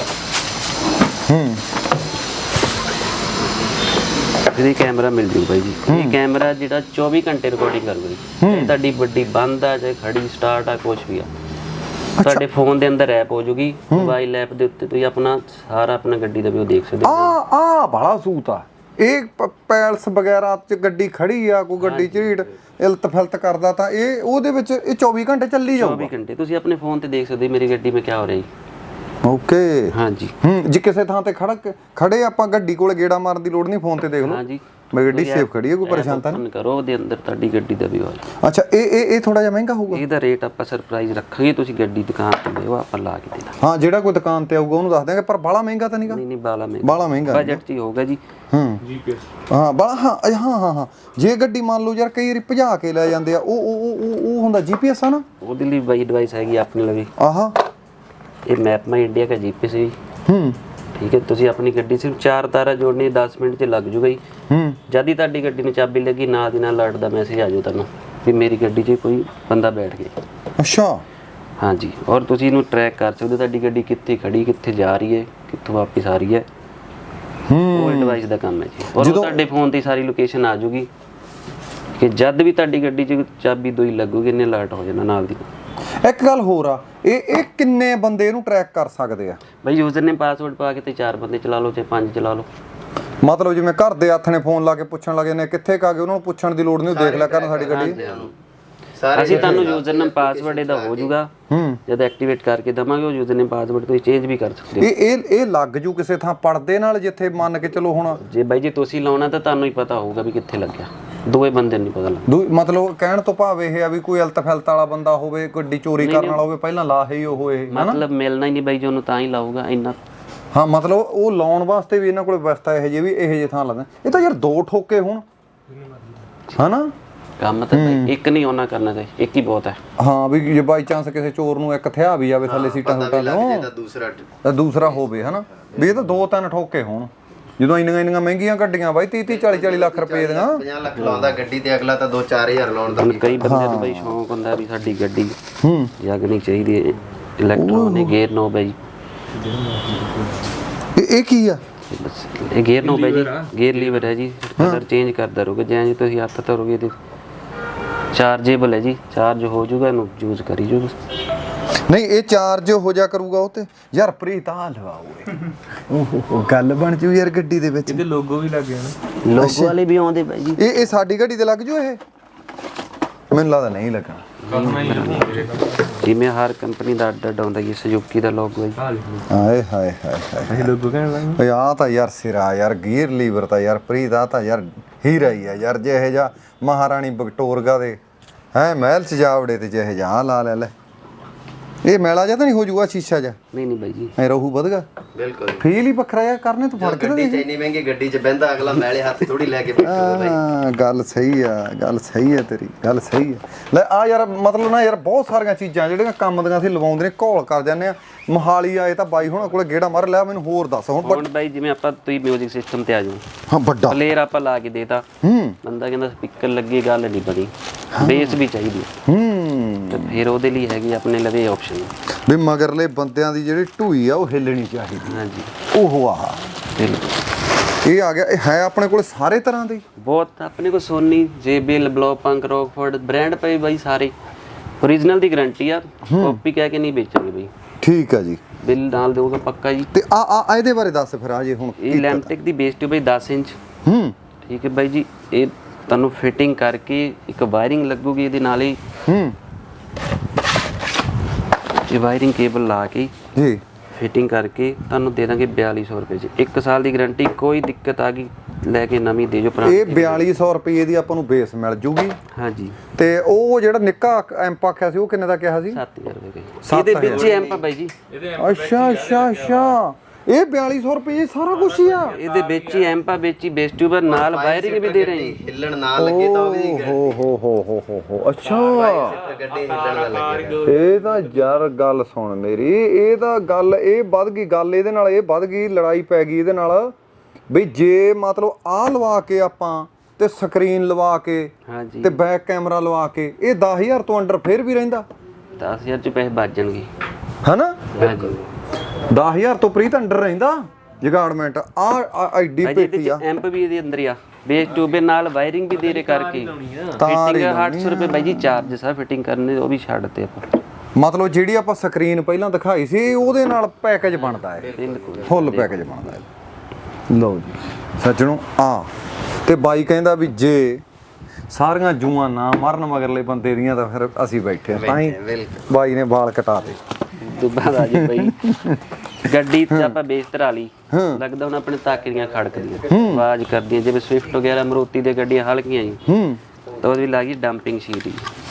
Speaker 1: ਇਹਦੀ ਕੈਮਰਾ ਮਿਲ ਜੂ ਬਾਈ ਜੀ। ਇਹ ਕੈਮਰਾ ਜਿਹੜਾ 24 ਘੰਟੇ ਰਿਕਾਰਡਿੰਗ ਕਰੂਗਾ ਜੀ, ਚਾਹੇ ਤੁਹਾਡੀ ਗੱਡੀ ਬੰਦ ਆ ਚਾਹੇ ਖੜੀ ਸਟਾਰਟ ਆ, ਕੁਝ ਵੀ ਆ, ਤੁਹਾਡੇ ਫੋਨ ਦੇ ਅੰਦਰ ਐਪ ਹੋ ਜੂਗੀ, ਮੋਬਾਈਲ ਐਪ ਦੇ ਉੱਤੇ ਤੁਸੀਂ ਆਪਣਾ ਸਾਰਾ ਆਪਣਾ ਗੱਡੀ ਦਾ ਵੀ ਦੇਖ ਸਕਦੇ ਹੋ।
Speaker 2: ਆ ਬੜਾ ਸੂਤ ਆ ਇਹ। ਪੈਲਸ ਵਗੈਰਾ 'ਚ ਗੱਡੀ ਖੜੀ ਆ, ਕੋਈ ਗੱਡੀ ਝੀੜ ਇਲਤ ਫਿਲਤ ਕਰਦਾ ਤਾਂ ਇਹ ਉਹਦੇ ਵਿੱਚ ਇਹ 24 ਘੰਟੇ ਚੱਲੀ ਜਾਊਗਾ।
Speaker 1: 24 ਘੰਟੇ ਤੁਸੀਂ ਆਪਣੇ ਫੋਨ ਤੇ ਦੇਖ ਸਕਦੇ ਮੇਰੀ ਗੱਡੀ ਮੇਂ ਕੀ ਹੋ ਰਿਹਾ ਜੀ।
Speaker 2: ਓਕੇ,
Speaker 1: ਹਾਂਜੀ।
Speaker 2: ਜੇ ਕਿਸੇ ਥਾਂ ਤੇ ਖੜੇ ਆਪਾਂ ਗੱਡੀ ਕੋਲ ਗੇੜਾ ਮਾਰਨ ਦੀ ਲੋੜ ਨਹੀਂ, ਫੋਨ ਤੇ ਦੇਖ ਲਓ। ਹਾਂਜੀ, ਮੇਰੀ ਗੱਡੀ ਸੇਫ ਖੜੀ ਹੈ, ਕੋਈ ਪਰੇਸ਼ਾਨ ਤਾਂ ਨਹੀਂ।
Speaker 1: ਕਰੋ ਉਹਦੇ ਅੰਦਰ ਤੁਹਾਡੀ ਗੱਡੀ ਦਾ ਵੀ ਹੋਇਆ।
Speaker 2: ਅੱਛਾ, ਇਹ ਥੋੜਾ ਜਿਹਾ ਮਹਿੰਗਾ ਹੋਊਗਾ?
Speaker 1: ਇਹਦਾ ਰੇਟ ਆਪਾਂ ਸਰਪ੍ਰਾਈਜ਼ ਰੱਖਾਂਗੇ, ਤੁਸੀਂ ਗੱਡੀ ਦੁਕਾਨ ਤੇ ਲਿਓ, ਆਪਾਂ ਲਾ ਕੇ ਦੇਣਾ।
Speaker 2: ਹਾਂ, ਜਿਹੜਾ ਕੋਈ ਦੁਕਾਨ ਤੇ ਆਊਗਾ ਉਹਨੂੰ ਦੱਸ ਦਿਆਂਗੇ, ਪਰ ਬਾਲਾ ਮਹਿੰਗਾ ਤਾਂ ਨਹੀਂਗਾ?
Speaker 1: ਨਹੀਂ ਬਾਲਾ
Speaker 2: ਮਹਿੰਗਾ
Speaker 1: ਬਜਟ 'ਚ ਹੀ ਹੋਊਗਾ ਜੀ।
Speaker 2: GPS ਹਾਂ ਬਾਲਾ ਹਾਂ। ਜੇ ਗੱਡੀ ਮੰਨ ਲਓ ਯਾਰ ਕਈ ਵਾਰੀ ਭਜਾ ਕੇ ਲੈ ਜਾਂਦੇ ਆ, ਉਹ ਹੁੰਦਾ GPS ਆ ਨਾ,
Speaker 1: ਉਹਦੇ ਲਈ ਬਾਈ ਡਿਵਾਈਸ ਹੈਗੀ ਆਪਣੇ ਲਵੇ।
Speaker 2: ਆਹਾ,
Speaker 1: ਇਹ ਮੈਪ ਮਾਈ ਇੰਡੀਆ ਦਾ GPS ਹੈ ਜੀ। ਠੀਕ ਹੈ, ਤੁਸੀਂ ਆਪਣੀ ਗੱਡੀ ਸਿਰਫ 4 ਤਾਰਾ ਜੋੜਨੀ 10 ਮਿੰਟ 'ਚ ਲੱਗ ਜੂਗਾ ਜੀ। ਜਦ ਹੀ ਤੁਹਾਡੀ ਗੱਡੀ ਨੂੰ ਚਾਬੀ ਲੱਗੀ ਨਾਲ ਦੀ ਨਾਲ ਅਲਰਟ ਦਾ ਮੈਸੇਜ ਆ ਜਾਊ ਤੁਹਾਨੂੰ ਵੀ ਮੇਰੀ ਗੱਡੀ 'ਚ ਕੋਈ ਬੰਦਾ ਬੈਠ ਗਿਆ।
Speaker 2: ਅੱਛਾ,
Speaker 1: ਹਾਂਜੀ। ਔਰ ਤੁਸੀਂ ਇਹਨੂੰ ਟਰੈਕ ਕਰ ਸਕਦੇ ਹੋ, ਤੁਹਾਡੀ ਗੱਡੀ ਕਿੱਥੇ ਖੜੀ, ਕਿੱਥੇ ਜਾ ਰਹੀ ਹੈ, ਕਿੱਥੋਂ ਵਾਪਸ ਆ ਰਹੀ ਹੈ। ਉਹ ਡਿਵਾਈਸ ਦਾ ਕੰਮ ਹੈ ਜੀ। ਔਰ ਤੁਹਾਡੇ ਫੋਨ ਤੇ ਸਾਰੀ ਲੋਕੇਸ਼ਨ ਆ ਜੂਗੀ ਕਿ ਜਦ ਵੀ ਤੁਹਾਡੀ ਗੱਡੀ 'ਚ ਚਾਬੀ ਦੋਈ ਲੱਗੂਗੀ ਇਹਨੇ ਅਲਰਟ ਹੋ ਜਾਣਾ ਨਾਲ ਦੀ।
Speaker 2: ਇੱਕ ਗੱਲ ਹੋਰ ਆ, ਇਹ ਕਿੰਨੇ ਬੰਦੇ ਇਹਨੂੰ ਟਰੈਕ ਕਰ ਸਕਦੇ ਆ?
Speaker 1: ਬਈ ਯੂਜ਼ਰ ਨੇ ਪਾਸਵਰਡ ਪਾ ਕੇ ਤੇ 4 ਬੰਦੇ ਚਲਾ ਲਓ ਚਾਹੇ 5 ਚਲਾ ਲਓ।
Speaker 2: ਮਤਲਬ ਜਿਵੇਂ ਘਰ ਦੇ ਹੱਥ ਨੇ ਫੋਨ ਲਾ ਕੇ ਪੁੱਛਣ ਲੱਗੇ ਨੇ ਕਿੱਥੇ ਕਾ ਗਏ, ਉਹਨਾਂ ਨੂੰ ਪੁੱਛਣ ਦੀ ਲੋੜ ਨਹੀਂ, ਉਹ ਦੇਖ ਲਿਆ ਕਰਨ ਸਾਡੀ ਗੱਡੀ।
Speaker 1: ਅਸੀਂ ਤੁਹਾਨੂੰ ਯੂਜ਼ਰ ਨੇਮ ਪਾਸਵਰਡ ਇਹਦਾ ਹੋ ਜਾਊਗਾ, ਜਦ ਐਕਟੀਵੇਟ ਕਰਕੇ ਦਵਾਂਗੇ ਉਹ ਯੂਜ਼ਰ ਨੇਮ ਪਾਸਵਰਡ ਤੁਸੀਂ ਚੇਂਜ ਵੀ ਕਰ ਸਕਦੇ ਹੋ।
Speaker 2: ਇਹ ਲੱਗ ਜੂ ਕਿਸੇ ਥਾਂ ਪਰਦੇ ਨਾਲ, ਜਿੱਥੇ ਮੰਨ ਕੇ ਚਲੋ ਹੁਣ
Speaker 1: ਜੇ ਬਾਈ ਜੀ ਤੁਸੀਂ ਲਾਉਣਾ ਤਾਂ ਤੁਹਾਨੂੰ ਹੀ ਪਤਾ ਹੋਊਗਾ ਵੀ ਕਿੱਥੇ ਲੱਗਿਆ, ਦੋਵੇਂ ਬੰਦੇ ਨੂੰ ਨਹੀਂ ਪਤਾ ਲੱਗਦਾ।
Speaker 2: ਮਤਲਬ ਕਹਿਣ ਤੋਂ ਭਾਵ ਇਹ ਆ ਵੀ ਕੋਈ ਅਲਤ ਫਲਤ ਵਾਲਾ ਬੰਦਾ ਹੋਵੇ, ਗੱਡੀ ਚੋਰੀ ਕਰਨ ਵਾਲਾ ਹੋਵੇ, ਪਹਿਲਾਂ ਲਾ ਹੀ ਉਹ ਇਹ
Speaker 1: ਮਤਲਬ ਮਿਲਣਾ ਹੀ ਨਹੀਂ ਬਾਈ ਜੀ, ਉਹਨੂੰ ਤਾਂ ਹੀ ਲਾਊਗਾ ਇੰਨਾ।
Speaker 2: ਹਾਂ, ਮਤਲਬ ਉਹ ਲਾਉਣ ਵਾਸਤੇ ਵੀ ਇਹਨਾਂ ਕੋਲ ਵਿਵਸਥਾ ਇਹੋ ਜਿਹੀ ਵੀ ਇਹੋ ਜਿਹੇ ਥਾਂ ਲਾਉਂਦੇ। ਇਹ ਤਾਂ ਯਾਰ 2 ਠੋਕੇ ਹੋਣ ਹਨਾ
Speaker 1: ਕੰਮ ਤਾਂ ਇੱਕ ਨਹੀਂ ਉਹਨਾਂ ਕਰਨਾ ਚਾਹੀਦਾ, ਇੱਕ ਹੀ ਬਹੁਤ ਹੈ।
Speaker 2: ਹਾਂ, ਵੀ ਜੇ ਬਾਈ ਚਾਂਸ ਕਿਸੇ ਚੋਰ ਨੂੰ ਇੱਕ ਥਿਆ ਵੀ ਜਾਵੇ ਥੱਲੇ ਸੀਟਾਂ ਸੂਟਾਂ ਤੋਂ, ਦੂਸਰਾ ਹੋਵੇ ਹਨਾ, ਵੀ ਇਹ ਤਾਂ 2-3 ਠੋਕੇ ਹੋਣ। ਜਦੋਂ ਇੰਨੀਆਂ ਮਹਿੰਗੀਆਂ ਗੱਡੀਆਂ ਬਾਈ 30-40 ਲੱਖ ਰੁਪਏ ਦੀਆਂ,
Speaker 3: 50 ਲੱਖ ਲਾਉਂਦਾ ਗੱਡੀ ਤੇ, ਅਗਲਾ ਤਾਂ 2-4000 ਲਾਉਣ ਦਾ।
Speaker 1: ਕਈ ਬੰਦਿਆਂ ਨੂੰ ਬਾਈ ਸ਼ੌਂਕ ਹੁੰਦਾ ਵੀ ਸਾਡੀ ਗੱਡੀ ਜਗਣੀ ਚਾਹੀਦੀ ਹੈ, ਇਲੈਕਟ੍ਰੋਨਿਕ ਗੇਅਰ ਨੋਬ ਹੈ ਜੀ।
Speaker 2: ਇਹ ਕੀ ਆ?
Speaker 1: ਬਸ ਇਹ ਗੇਅਰ ਨੂੰ ਬਾਈ ਜੀ ਗੇਅਰ ਲੀਵਰ ਹੈ ਜੀ, ਕਲਰ ਚੇਂਜ ਕਰਦਾ ਰਹੋਗੇ ਜਿਵੇਂ ਜੀ ਤੁਸੀਂ ਹੱਥ ਧਰੋਗੇ ਤੇ ਚਾਰਜੇਬਲ ਹੈ ਜੀ, ਚਾਰਜ ਹੋ ਜਾਊਗਾ, ਇਹਨੂੰ ਯੂਜ਼ ਕਰੀ ਜਾਊਗਾ।
Speaker 2: ਨਹੀਂ ਇਹ ਚਾਰਜ ਹੋ ਜਾ ਕਰੂਗਾ ਉਹ ਤੇ ਯਾਰ ਪ੍ਰੀਤ ਆ ਲਵਾਓ ਓਹ ਗੱਲ ਬਣ ਜੂ ਯਾਰ ਗੱਡੀ ਦੇ ਵਿੱਚ।
Speaker 4: ਇਹਦੇ ਲੋਗੋ ਵੀ ਲੱਗ ਗਿਆ ਨਾ,
Speaker 1: ਲੋਗੋ ਵਾਲੇ ਵੀ ਆਉਂਦੇ ਬਾਈ ਜੀ।
Speaker 2: ਇਹ ਸਾਡੀ ਗੱਡੀ ਤੇ ਲੱਗ ਜੂ ਇਹ? ਮੈਨੂੰ ਲੱਗਦਾ ਨਹੀਂ ਲੱਗਣਾ।
Speaker 1: ਜਿਵੇਂ ਹਰ ਕੰਪਨੀ ਦਾ ਅੱਡ ਆਉਂਦਾ ਜੀ, ਸੁਜ਼ੂਕੀ ਦਾ ਲੋਗੋ ਹੈ ਜੀ।
Speaker 2: ਹਾਏ ਹਾਏ ਹਾਏ ਹਾਏ
Speaker 4: ਇਹ ਲੋਗੋ ਕਹਿਣ ਲੱਗ
Speaker 2: ਓਏ ਆ ਤਾਂ ਯਾਰ ਸਿਰਾ ਯਾਰ, ਗੀਅਰ ਲੀਵਰ ਤਾਂ ਯਾਰ ਪ੍ਰੀਤ ਆ ਤਾਂ ਯਾਰ ਹੀਰਾ ਹੀ ਆ ਯਾਰ। ਜੇ ਇਹ ਜਾ ਮਹਾਰਾਣੀ ਵਿਕਟੋਰੀਆ ਦੇ ਹੈ ਮਹਿਲ ਸਜਾਵੜੇ ਤੇ ਜਿਹੇ ਜਾ ਲਾ ਲੈ ਇਹ ਮੈਲਾ ਜਾਂ ਤਾਂ ਨਹੀਂ ਹੋ ਜੂਗਾ ਸ਼ੀਸ਼ਾ ਜਾ?
Speaker 1: ਨਹੀਂ ਨਹੀਂ ਬਾਈ ਜੀ
Speaker 2: ਐ ਰਹੂ ਵਧਗਾ
Speaker 3: ਬਿਲਕੁਲ
Speaker 2: ਫੀਲ ਹੀ ਵੱਖਰਾ ਆ ਕਰਨੇ ਤੂੰ ਫੜ ਕੇ ਤਾਂ
Speaker 3: ਗੱਡੀ
Speaker 2: ਦੇਖ।
Speaker 3: ਚ ਇੰਨੀ ਮਹਿੰਗੀ ਗੱਡੀ ਚ ਬਹਿੰਦਾ ਅਗਲਾ ਮੈਲੇ ਹੱਥ ਥੋੜੀ ਲੈ ਕੇ ਬੈਠੂਗਾ ਬਾਈ।
Speaker 2: ਹਾਂ ਗੱਲ ਸਹੀ ਆ, ਗੱਲ ਸਹੀ ਆ ਤੇਰੀ, ਗੱਲ ਸਹੀ ਆ। ਲੈ ਆ ਯਾਰ ਮਤਲਬ ਨਾ ਯਾਰ ਬਹੁਤ ਸਾਰੀਆਂ ਚੀਜ਼ਾਂ ਜਿਹੜੀਆਂ ਕੰਮ ਦੀਆਂ ਅਸੀਂ ਲਵਾਉਂਦੇ ਨੇ ਘੋਲ ਕਰ ਜਾਂਦੇ ਆ। ਮੋਹਾਲੀ ਆਏ ਤਾਂ ਬਾਈ ਹੁਣਾਂ ਕੋਲੇ ਗੇੜਾ ਮਾਰ ਲਿਆ। ਮੈਨੂੰ ਹੋਰ ਦੱਸ ਹੁਣ
Speaker 1: ਬਾਈ ਜਿਵੇਂ ਆਪਾਂ ਤੁਸੀਂ ਮਿਊਜ਼ਿਕ ਸਿਸਟਮ ਤੇ ਆ ਜਾਓ,
Speaker 2: ਹਾਂ ਵੱਡਾ
Speaker 1: ਪਲੇਅਰ ਆਪਾਂ ਲਾ ਕੇ ਦੇਤਾ, ਬੰਦਾ ਕਹਿੰਦਾ ਸਪੀਕਰ ਲੱਗੇ, ਗੱਲ ਨਹੀਂ ਬਣੀ, ਬੇਸ ਵੀ ਚਾਹੀਦੀ ਤੇ ਫਿਰ ਉਹਦੇ ਲਈ ਹੈਗੀ ਆਪਣੇ ਲਵੇ ਆਪਸ਼ਨ
Speaker 2: ਵੀ ਮਗਰਲੇ ਬੰਦਿਆਂ ਦੀ ਜਿਹੜੀ ਢੂਈ ਆ ਉਹ ਹਿੱਲਣੀ ਚਾਹੀਦੀ।
Speaker 1: ਹਾਂਜੀ
Speaker 2: ਉਹ ਆਹ
Speaker 1: ਬਿਲਕੁਲ
Speaker 2: ਇਹ ਆ ਗਿਆ। ਇਹ ਹੈ ਆਪਣੇ ਕੋਲੇ ਸਾਰੇ ਤਰ੍ਹਾਂ ਦੇ
Speaker 1: ਬਹੁਤ ਆਪਣੇ ਕੋਲ Sony, JBL, Blaupunkt, Rockford brand ਪਏ ਬਾਈ ਸਾਰੇ। ਓਰੀਜਨਲ ਦੀ ਗਾਰੰਟੀ ਆ, ਕਾਪੀ ਕਹਿ ਕੇ ਨਹੀਂ ਵੇਚਾਂਗੇ ਬਾਈ।
Speaker 2: ਠੀਕ ਆ ਜੀ,
Speaker 1: ਬਿੱਲ ਨਾਲ ਦੇਊਗਾ ਪੱਕਾ ਜੀ।
Speaker 2: ਤੇ ਆ ਇਹਦੇ ਬਾਰੇ ਦੱਸ ਫਿਰ ਆ ਜੇ ਹੁਣ
Speaker 1: ਇਹ ਲੈਂਟਿਕ ਦੀ ਬੇਸ ਟਿਊਬ ਹੈ 10 ਇੰਚ। ਠੀਕ ਹੈ ਬਾਈ ਜੀ। ਇਹ ਤੁਹਾਨੂੰ ਫਿਟਿੰਗ ਕਰਕੇ ਇੱਕ ਵਾਇਰਿੰਗ ਲੱਗੂਗੀ ਇਹਦੇ ਨਾਲ ਹੀ। ਇਹ ਵਾਇਰਿੰਗ ਕੇਬਲ ਲਾ ਕੇ
Speaker 2: ਜੀ
Speaker 1: ਫਿਟਿੰਗ ਕਰਕੇ ਤੁਹਾਨੂੰ ਦੇ ਦਾਂਗੇ 4200 ਰੁਪਏ 'ਚ। 1 ਸਾਲ ਦੀ ਗਾਰੰਟੀ, ਕੋਈ ਦਿੱਕਤ ਆ ਗਈ ਲੈ ਕੇ ਨਵੀਂ ਦੇ ਜੋ ਭਰਾ।
Speaker 2: ਇਹ 4200 ਰੁਪਏ ਦੀ ਆਪਾਂ ਨੂੰ ਬੇਸ ਮਿਲ ਜੂਗੀ।
Speaker 1: ਹਾਂਜੀ
Speaker 2: ਤੇ ਉਹ ਜਿਹੜਾ ਨਿੱਕਾ ਐਂਪ ਆਖਿਆ ਸੀ ਉਹ ਕਿੰਨੇ ਦਾ ਕਿਹਾ ਸੀ?
Speaker 1: 7000 ਰੁਪਏ ਦਾ। ਇਹਦੇ ਵਿੱਚ ਹੀ ਐਂਪ ਆ ਬਾਈ ਜੀ।
Speaker 2: ਅੱਛਾ ਅੱਛਾ ਅੱਛਾ ਇਹ 4200 ਰੁਪਏ ਸਾਰਾ ਕੁਝ ਹੀ ਆ?
Speaker 1: ਇਹਦੇ ਵਿੱਚ ਹੀ ਐਂਪ ਆ, ਵਿੱਚ ਹੀ ਬੇਸ ਟਿਊਬ ਨਾਲ ਵਾਇਰਿੰਗ ਵੀ ਦੇ ਰਹੇ ਹਾਂ।
Speaker 3: ਹਿੱਲਣ ਨਾ ਲੱਗੇ ਤਾਂ ਉਹਦੀ
Speaker 2: ਹੋ ਅੱਛਾ
Speaker 3: ਗੱਡੀ ਹਿੱਲਣ ਦਾ ਲੱਗੇ।
Speaker 2: ਇਹ ਤਾਂ ਯਾਰ ਗੱਲ ਸੁਣ ਮੇਰੀ, ਇਹ ਤਾਂ ਗੱਲ ਇਹ ਵੱਧ ਗਈ ਗੱਲ ਇਹਦੇ ਨਾਲ, ਇਹ ਵੱਧ ਗਈ ਲੜਾਈ ਪੈ ਗਈ ਇਹਦੇ ਨਾਲ ਬਈ ਜੇ ਮਤਲਬ ਆਹ ਲਵਾ ਕੇ ਆਪਾਂ ਤੇ ਸਕਰੀਨ ਲਵਾ ਕੇ
Speaker 1: ਹਾਂਜੀ
Speaker 2: ਤੇ ਬੈਕ ਕੈਮਰਾ ਲਵਾ ਕੇ ਇਹ 10000 ਤੋਂ ਅੰਡਰ ਫੇਰ ਵੀ ਰਹਿੰਦਾ?
Speaker 1: 10000 ਚ ਪੈਸੇ ਬਚ ਜਾਣਗੇ।
Speaker 2: ਹਨਾ
Speaker 1: ਹਾਂਜੀ
Speaker 2: 10000 ਤੋਂ ਪ੍ਰੀਤ ਅੰਡਰ ਰਹਿੰਦਾ ਜਗਾੜਮੈਂਟ ਆ ਐਡੀ ਪੇਟੀ ਆ।
Speaker 1: ਐਂਪ ਵੀ ਇਹਦੇ ਅੰਦਰ ਹੀ ਆ, ਬੇਸ ਟਿਊਬ ਦੇ ਨਾਲ ਵਾਇਰਿੰਗ ਵੀ ਦੇ ਰਹੇ ਕਰਕੇ। ਫਿਟਿੰਗ 800 ਰੁਪਏ ਬਾਈ ਜੀ ਚਾਰਜ ਸਾ ਫਿਟਿੰਗ ਕਰਨੇ, ਉਹ ਵੀ ਛੱਡਤੇ ਆਪਾਂ।
Speaker 2: ਮਤਲਬ ਜਿਹੜੀ ਆਪਾਂ ਸਕਰੀਨ ਪਹਿਲਾਂ ਦਿਖਾਈ ਸੀ ਉਹਦੇ ਨਾਲ ਪੈਕੇਜ ਬਣਦਾ ਹੈ,
Speaker 1: ਬਿਲਕੁਲ
Speaker 2: ਫੁੱਲ ਪੈਕੇਜ ਬਣਦਾ ਹੈ। ਲਓ ਜੀ ਸੱਜਣੋ ਆ ਤੇ ਬਾਈ ਕਹਿੰਦਾ ਵੀ ਜੇ ਸਾਰੀਆਂ ਜੂਆਂ ਨਾ ਮਰਨ ਮਗਰਲੇ ਬੰਦੇ ਦੀਆਂ ਤਾਂ ਫਿਰ ਅਸੀਂ ਬੈਠੇ ਤਾਂ ਹੀ ਬਾਈ ਨੇ ਵਾਲ ਕਟਾ ਦੇ।
Speaker 1: ਦੁਬਾਰਾ ਦਾ ਜੀ ਬਾਈ ਗੱਡੀ ਤੇ ਆਪਾਂ ਬੇਸ ਧਰਾ ਲਈ, ਲੱਗਦਾ ਹੁਣ ਆਪਣੇ ਤਾਕੀਆਂ ਖੜਕਦੀਆਂ ਆਵਾਜ਼ ਕਰਦੀਆਂ, ਜਿਵੇਂ ਸਵਿਫਟ ਵਗੈਰਾ ਮਰੂਤੀ ਦੇ ਗੱਡੀਆਂ ਹਲਕੀਆਂ ਜੀ, ਤਾਂ ਉਹਦੀ ਲੱਗੀ ਡੰਪਿੰਗ ਸ਼ੀਟ।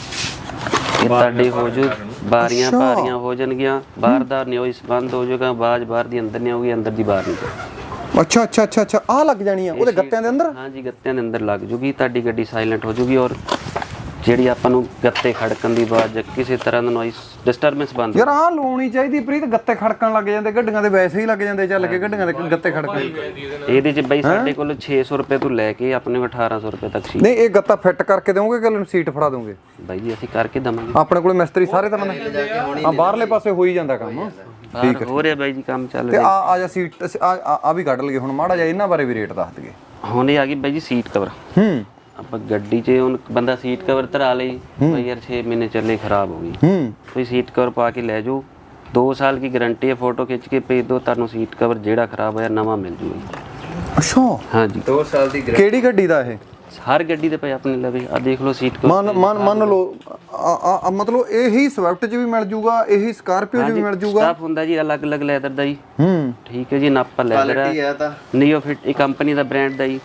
Speaker 1: ਇਹ ਤੁਹਾਡੇ ਹੋ ਜੂ ਬਾਰੀਆਂ ਭਾਰੀਆਂ ਹੋ ਜਾਣਗੀਆਂ, ਬਾਹਰ ਦਾ ਨੋਇਸ ਬੰਦ ਹੋ ਜਾਊਗਾ, ਆਵਾਜ਼ ਬਾਹਰ ਦੀ ਅੰਦਰ ਨਹੀਂ ਆਊਗੀ, ਅੰਦਰ ਦੀ ਬਾਹਰ ਨਹੀਂ ਜਾਊਗੀ।
Speaker 2: ਅੱਛਾ ਅੱਛਾ ਅੱਛਾ ਅੱਛਾ ਆ ਲੱਗ ਜਾਣੀ ਆ ਉਹਦੇ ਗੱਤਿਆਂ ਦੇ ਅੰਦਰ?
Speaker 1: ਹਾਂਜੀ ਗੱਤਿਆਂ ਦੇ ਅੰਦਰ ਲੱਗ ਜੂਗੀ, ਤੁਹਾਡੀ ਗੱਡੀ ਸਾਇਲੈਂਟ ਹੋ ਜੂਗੀ। ਔਰ ਜਿਹੜੀ ਆਪਾਂ ਨੂੰ ਗੱਤੇ ਖੜਕਣ ਦੀ ਆਵਾਜ਼, ਕਿਸੇ ਤਰ੍ਹਾਂ ਦਾ ਨੋਇਸ ਡਿਸਟਰਬੈਂਸ ਬੰਦ।
Speaker 2: ਯਾਰ ਆਹ ਲਾਉਣੀ ਚਾਹੀਦੀ ਪ੍ਰੀਤ, ਗੱਤੇ ਖੜਕਣ ਲੱਗ ਜਾਂਦੇ ਗੱਡੀਆਂ ਦੇ, ਵੈਸੇ ਹੀ ਲੱਗ ਜਾਂਦੇ ਚੱਲ ਕੇ ਗੱਡੀਆਂ ਦੇ ਗੱਤੇ ਖੜਕਣ।
Speaker 1: ਇਹਦੇ ਚ ਬਈ ਸਾਡੇ ਕੋਲ 600 ਰੁਪਏ ਤੋਂ ਲੈ ਕੇ ਆਪਣੇ ਕੋਲ 1800 ਰੁਪਏ ਤੱਕ ਸੀ।
Speaker 2: ਨਹੀਂ ਇਹ ਗੱਤਾ ਫਿੱਟ ਕਰਕੇ ਦੇਵੋਗੇ ਕਿ ਸੀਟ ਫੜਾ ਦੋਗੇ?
Speaker 1: ਬਾਈ ਜੀ ਅਸੀਂ ਕਰਕੇ ਦਵਾਂਗੇ,
Speaker 2: ਆਪਣੇ ਕੋਲ ਮਿਸਤਰੀ ਸਾਰੇ ਤਰ੍ਹਾਂ ਦੇ ਆ, ਬਾਹਰਲੇ ਪਾਸੇ ਹੋ ਹੀ ਜਾਂਦਾ ਕੰਮ।
Speaker 1: ਠੀਕ ਹੋ ਰਿਹਾ ਬਾਈ ਜੀ, ਕੰਮ ਚੱਲ
Speaker 2: ਤੇ
Speaker 1: ਰਿਹਾ।
Speaker 2: ਆ ਜਾ ਸੀਟ ਆ ਵੀ ਕੱਢ ਲਈਏ ਹੁਣ ਮਾੜਾ ਜਿਹਾ, ਇਹਨਾਂ ਬਾਰੇ ਵੀ ਰੇਟ ਦੱਸ ਦਈਏ।
Speaker 1: ਹੁਣ ਇਹ ਆ ਗਈ ਬਾਈ ਜੀ ਸੀਟ ਕਵਰ। ਆਪਾਂ ਗੱਡੀ 'ਚ ਹੁਣ ਬੰਦਾ ਸੀਟ ਕਵਰ ਧਰਾ ਲਈ, ਬਈ ਯਾਰ 6 ਮਹੀਨੇ ਚੱਲੇ ਖਰਾਬ ਹੋ ਗਈ, ਕੋਈ ਸੀਟ ਕਵਰ ਪਾ ਕੇ ਲੈ ਜਾਓ, 2 ਸਾਲ की गारंटी है, फोटो खिंच के भेज दो, ਤੁਹਾਨੂੰ ਸੀਟ ਕਵਰ ਜਿਹੜਾ ਖਰਾਬ ਹੋਇਆ ਨਵਾਂ ਮਿਲ ਜੂਗਾ।
Speaker 2: ਅੱਛਾ
Speaker 1: ਹਾਂਜੀ
Speaker 3: 2 ਸਾਲ ਦੀ
Speaker 2: ਕਿਹੜੀ ਗੱਡੀ ਦਾ ਇਹ?
Speaker 1: ਹਰ ਗੱਡੀ ਦੇ ਪਏ ਆਪਣੇ ਲਵੇ, ਆ ਦੇਖ ਲਓ ਸੀਟ ਕਵਰ।
Speaker 2: ਮੰਨ ਲਓ ਮਤਲਬ ਇਹੀ ਸਵਿਫਟ 'ਚ ਵੀ ਮਿਲ ਜੂਗਾ, ਇਹੀ ਸਕਾਰਪੀਓ 'ਚ ਵੀ ਮਿਲ ਜੂਗਾ?
Speaker 1: ਸਟਾਫ ਹੁੰਦਾ ਜੀ ਅਲੱਗ-ਅਲੱਗ ਲੈਦਰ ਦਾ ਜੀ। ਠੀਕ ਹੈ ਜੀ, ਨਾਪਾ ਲੈਦਰ
Speaker 3: ਹੈ ਤਾਂ
Speaker 1: ਨੀਓਫਿਟ, ਇਹ ਕੰਪਨੀ ਦਾ ਬ੍ਰਾਂਡ ਦਾ ਜੀ।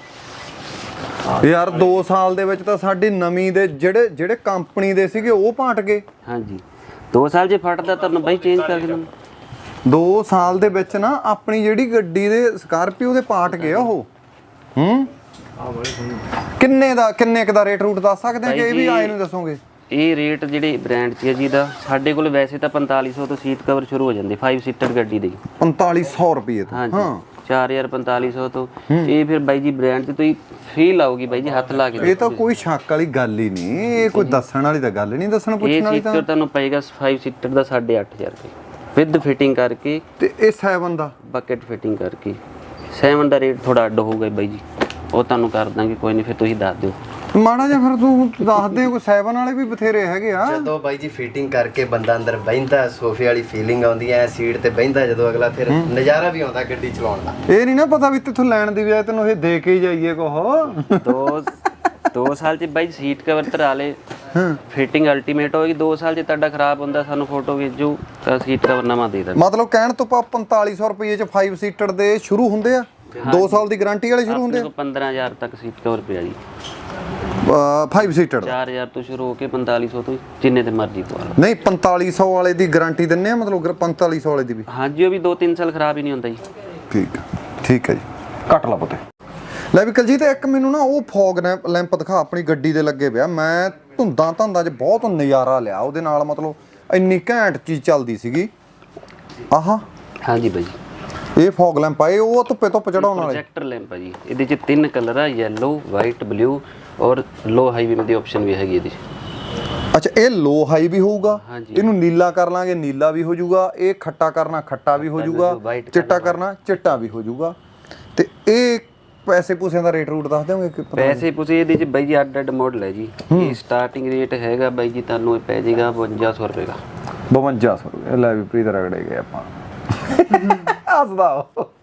Speaker 2: ਯਾਰ 2 ਸਾਲ ਦੇ ਵਿੱਚ ਤਾਂ ਸਾਡੀ ਨਵੀਂ ਦੇ ਜਿਹੜੇ ਕੰਪਨੀ ਦੇ ਸੀਗੇ ਉਹ ਪਾਟ ਗਏ।
Speaker 1: ਹਾਂਜੀ 2 ਸਾਲ ਜੇ ਫਟਦਾ ਤੁਹਾਨੂੰ ਬਾਈ ਚੇਂਜ ਕਰਕੇ ਦਵਾਂ।
Speaker 2: 2 ਸਾਲ ਦੇ ਵਿੱਚ ਨਾ ਆਪਣੀ ਜਿਹੜੀ ਗੱਡੀ ਦੇ ਸਕਾਰਪੀਓ ਦੇ ਪਾਟ ਗਏ ਉਹ। ਕਿੰਨੇ ਕ ਦਾ ਰੇਟ ਰੂਟ ਦੱਸ ਸਕਦੇ ਆ ਕਿ ਇਹ ਵੀ ਆਏ ਨੂੰ ਦੱਸੋਗੇ?
Speaker 1: ਇਹ ਰੇਟ ਜਿਹੜੇ ਬ੍ਰਾਂਡ 'ਚ ਹੈ ਜੀ ਦਾ, ਸਾਡੇ ਕੋਲ ਵੈਸੇ ਤਾਂ 4500 ਤੋਂ ਸੀਟ ਕਵਰ ਸ਼ੁਰੂ ਹੋ ਜਾਂਦੇ 5 ਸੀਟਰ ਗੱਡੀ ਦੇ।
Speaker 2: 4500 ਰੁਪਏ ਤੋਂ?
Speaker 1: ਹਾਂਜੀ 4000 4500 ਤੋਂ। ਇਹ ਫਿਰ ਬਾਈ ਜੀ ਬ੍ਰਾਂਡ 'ਚ ਤੁਸੀਂ ਫੀਲ ਆਊਗੀ ਬਾਈ ਜੀ, ਹੱਥ ਲਾ ਕੇ।
Speaker 2: ਇਹ ਤਾਂ ਕੋਈ ਸ਼ੱਕ ਵਾਲੀ ਗੱਲ ਹੀ ਨਹੀਂ, ਇਹ ਕੋਈ ਦੱਸਣ ਵਾਲੀ ਤਾਂ ਗੱਲ ਨਹੀਂ, ਦੱਸਣ ਪੁੱਛਣ ਵਾਲੀ ਤਾਂ।
Speaker 1: ਇਹ ਸੀਟਰ ਤੁਹਾਨੂੰ ਪਏਗਾ 5 ਸੀਟਰ ਦਾ 8500 ਰੁਪਏ ਵਿਦ ਫਿਟਿੰਗ ਕਰਕੇ,
Speaker 2: ਤੇ ਇਹ 7 ਦਾ
Speaker 1: ਬਕਟ ਫਿਟਿੰਗ ਕਰਕੇ 7 ਦਾ ਰੇਟ ਥੋੜਾ ਅੱਡ ਹੋਊਗਾ ਬਾਈ ਜੀ, ਉਹ ਤੁਹਾਨੂੰ ਕਰ ਦਾਂਗੇ, ਕੋਈ ਨਹੀਂ, ਫਿਰ ਤੁਸੀਂ ਦੱਸ ਦਿਓ।
Speaker 2: ਮਾੜਾ ਜਿਹਾ ਫਿਰ ਤੂੰ ਦੱਸ ਦੇ, ਕੋਈ 7 ਵਾਲੇ ਵੀ ਬਥੇਰੇ ਹੈਗੇ ਆ।
Speaker 3: ਜਦੋਂ ਬਾਈ ਜੀ ਫਿਟਿੰਗ ਕਰਕੇ ਬੰਦਾ ਅੰਦਰ ਬਹਿੰਦਾ, ਸੋਫੇ ਵਾਲੀ ਫੀਲਿੰਗ ਆਉਂਦੀ ਐ, ਸੀਟ ਤੇ ਬਹਿੰਦਾ ਜਦੋਂ ਅਗਲਾ, ਫਿਰ ਨਜ਼ਾਰਾ ਵੀ ਆਉਂਦਾ ਗੱਡੀ ਚਲਾਉਣ ਦਾ।
Speaker 2: ਇਹ ਨਹੀਂ ਨਾ ਪਤਾ ਵੀ ਤੈਥੋਂ ਲੈਣ ਦੀ ਬਜਾਏ ਤੈਨੂੰ ਇਹ ਦੇ ਕੇ ਹੀ ਜਾਈਏ ਕੋਹ।
Speaker 1: 2 ਸਾਲ ਚ ਬਾਈ ਸੀਟ ਕਵਰ ਧਰਾ ਲੇ, ਫਿਟਿੰਗ ਅਲਟੀਮੇਟ ਹੋਏਗੀ। 2 ਸਾਲ ਚ ਤੁਹਾਡਾ ਖਰਾਬ ਹੁੰਦਾ, ਸਾਨੂੰ ਫੋਟੋ ਭੇਜੋ ਤਾਂ ਸੀਟ ਕਵਰ ਨਵਾਂ ਦੇ ਦਾਂਗੇ।
Speaker 2: ਮਤਲਬ ਕਹਿਣ ਤੋਂ ਪਾ 4500 ਰੁਪਏ ਚ 5 ਸੀਟਰ ਦੇ ਸ਼ੁਰੂ ਹੁੰਦੇ ਆ, 2 ਸਾਲ ਦੀ ਗਾਰੰਟੀ ਵਾਲੇ ਸ਼ੁਰੂ ਹੁੰਦੇ ਆ।
Speaker 1: 15000 ਤੱਕ ਸੀਟ ਕਵਰ ਪਿਆ ਜੀ,
Speaker 2: 5 ਸੀਟਰ
Speaker 1: 4000 ਤੋਂ ਸ਼ੁਰੂ ਹੋ ਕੇ 4500 ਤੋਂ ਜਿੰਨੇ ਤੇ ਮਰਜ਼ੀ ਪਵਾ ਲਓ।
Speaker 2: ਨਹੀਂ 4500 ਵਾਲੇ ਦੀ ਗਾਰੰਟੀ ਦਿੰਨੇ ਆ, ਮਤਲਬ 4500 ਵਾਲੇ ਦੀ ਵੀ?
Speaker 1: ਹਾਂਜੀ, ਉਹ ਵੀ 2-3 ਸਾਲ ਖਰਾਬ ਹੀ ਨਹੀਂ ਹੁੰਦਾ ਜੀ।
Speaker 2: ਠੀਕ ਹੈ ਜੀ, ਕੱਟ ਲਾ ਪੁੱਤੇ। ਲੈ ਵੀ ਕਲਜੀਤ, ਇੱਕ ਮੈਨੂੰ ਨਾ ਉਹ ਫੌਗ ਲੈਂਪ ਦਿਖਾ, ਆਪਣੀ ਗੱਡੀ ਦੇ ਲੱਗੇ ਪਿਆ। ਮੈਂ ਧੁੰਦਾਂ 'ਚ ਬਹੁਤ ਨਜ਼ਾਰਾ ਲਿਆ ਉਹਦੇ ਨਾਲ, ਮਤਲਬ ਇੰਨੀ ਘੈਂਟ ਚੀਜ਼ ਚੱਲਦੀ ਸੀਗੀ। ਆਹਾ,
Speaker 1: ਹਾਂਜੀ ਬਾਈ ਜੀ,
Speaker 2: ਇਹ ਫੌਗ ਲੈਂਪ ਆ, ਇਹ ਉਹ ਧੁੱਪੇ ਚੜਾਉਣ ਵਾਲੇ
Speaker 1: ਪ੍ਰੋਜੈਕਟਰ ਲੈਂਪ ਆ ਜੀ। ਇਹਦੇ 'ਚ 3 ਕਲਰ ਆ, ਯੈਲੋ, ਵਾਈਟ, ਬਲੂ ਔਰ ਲੋ ਹਾਈ ਬੀਮ ਦੀ ਆਪਸ਼ਨ ਵੀ ਹੈਗੀ ਇਹਦੇ 'ਚ।
Speaker 2: ਅੱਛਾ, ਇਹ ਲੋ ਹਾਈ ਵੀ ਹੋਊਗਾ,
Speaker 1: ਹਾਂਜੀ।
Speaker 2: ਇਹਨੂੰ ਨੀਲਾ ਕਰ ਲਾਂਗੇ, ਨੀਲਾ ਵੀ ਹੋ ਜਾਊਗਾ। ਇਹ ਖੱਟਾ ਕਰਨਾ, ਖੱਟਾ ਵੀ ਹੋ ਜਾਊਗਾ। ਚਿੱਟਾ ਕਰਨਾ, ਚਿੱਟਾ ਵੀ ਹੋ ਜਾਊਗਾ। ਤੇ ਇਹ ਪੈਸੇ ਪੂਸਿਆਂ ਦਾ ਰੇਟ ਰੂਟ ਦੱਸ ਦਿਓਗੇ ਕਿ?
Speaker 1: ਪੈਸੇ ਪੂਸੇ ਇਹਦੇ 'ਚ ਬਾਈ ਜੀ ਅੱਡ ਮਾਡਲ ਹੈ ਜੀ। ਇਹ ਸਟਾਰਟਿੰਗ ਰੇਟ ਹੈਗਾ ਬਾਈ ਜੀ, ਤੁਹਾਨੂੰ ਇਹ ਪੈ ਜਾਏਗਾ 5200 ਰੁਪਏ ਦਾ।
Speaker 2: 5200 ਰੁਪਏ। ਲੈ ਵੀ ਪ੍ਰੀਤ ਰਗੜੇ ਗਏ ਆਪਾਂ। ਹੱਸਦਾ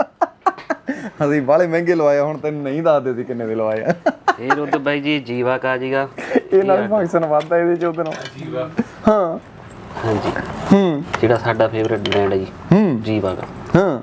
Speaker 2: ਅਸੀਂ ਬਾਲੇ ਮਹਿੰਗੇ ਲਵਾਏ, ਹੁਣ ਤੈਨੂੰ ਨਹੀਂ ਦੱਸਦੇ ਸੀ ਕਿੰਨੇ ਦੇ ਲਵਾਏ ਆ।
Speaker 1: ਇਹ ਰੁੱਦ ਬਾਈ ਜੀ ਜੀਵਾ ਕਾ ਜੀਗਾ,
Speaker 2: ਇਹ ਨਾਲ ਫੰਕਸ਼ਨ ਵੱਧਦਾ ਇਹਦੇ ਚ ਉਹਦੇ ਨਾਲ। ਜੀਵਾ, ਹਾਂ
Speaker 1: ਹਾਂਜੀ, ਜਿਹੜਾ ਸਾਡਾ ਫੇਵਰਿਟ ਬ੍ਰਾਂਡ ਹੈ ਜੀ, ਜੀਵਾ ਦਾ।
Speaker 2: ਹਾਂ,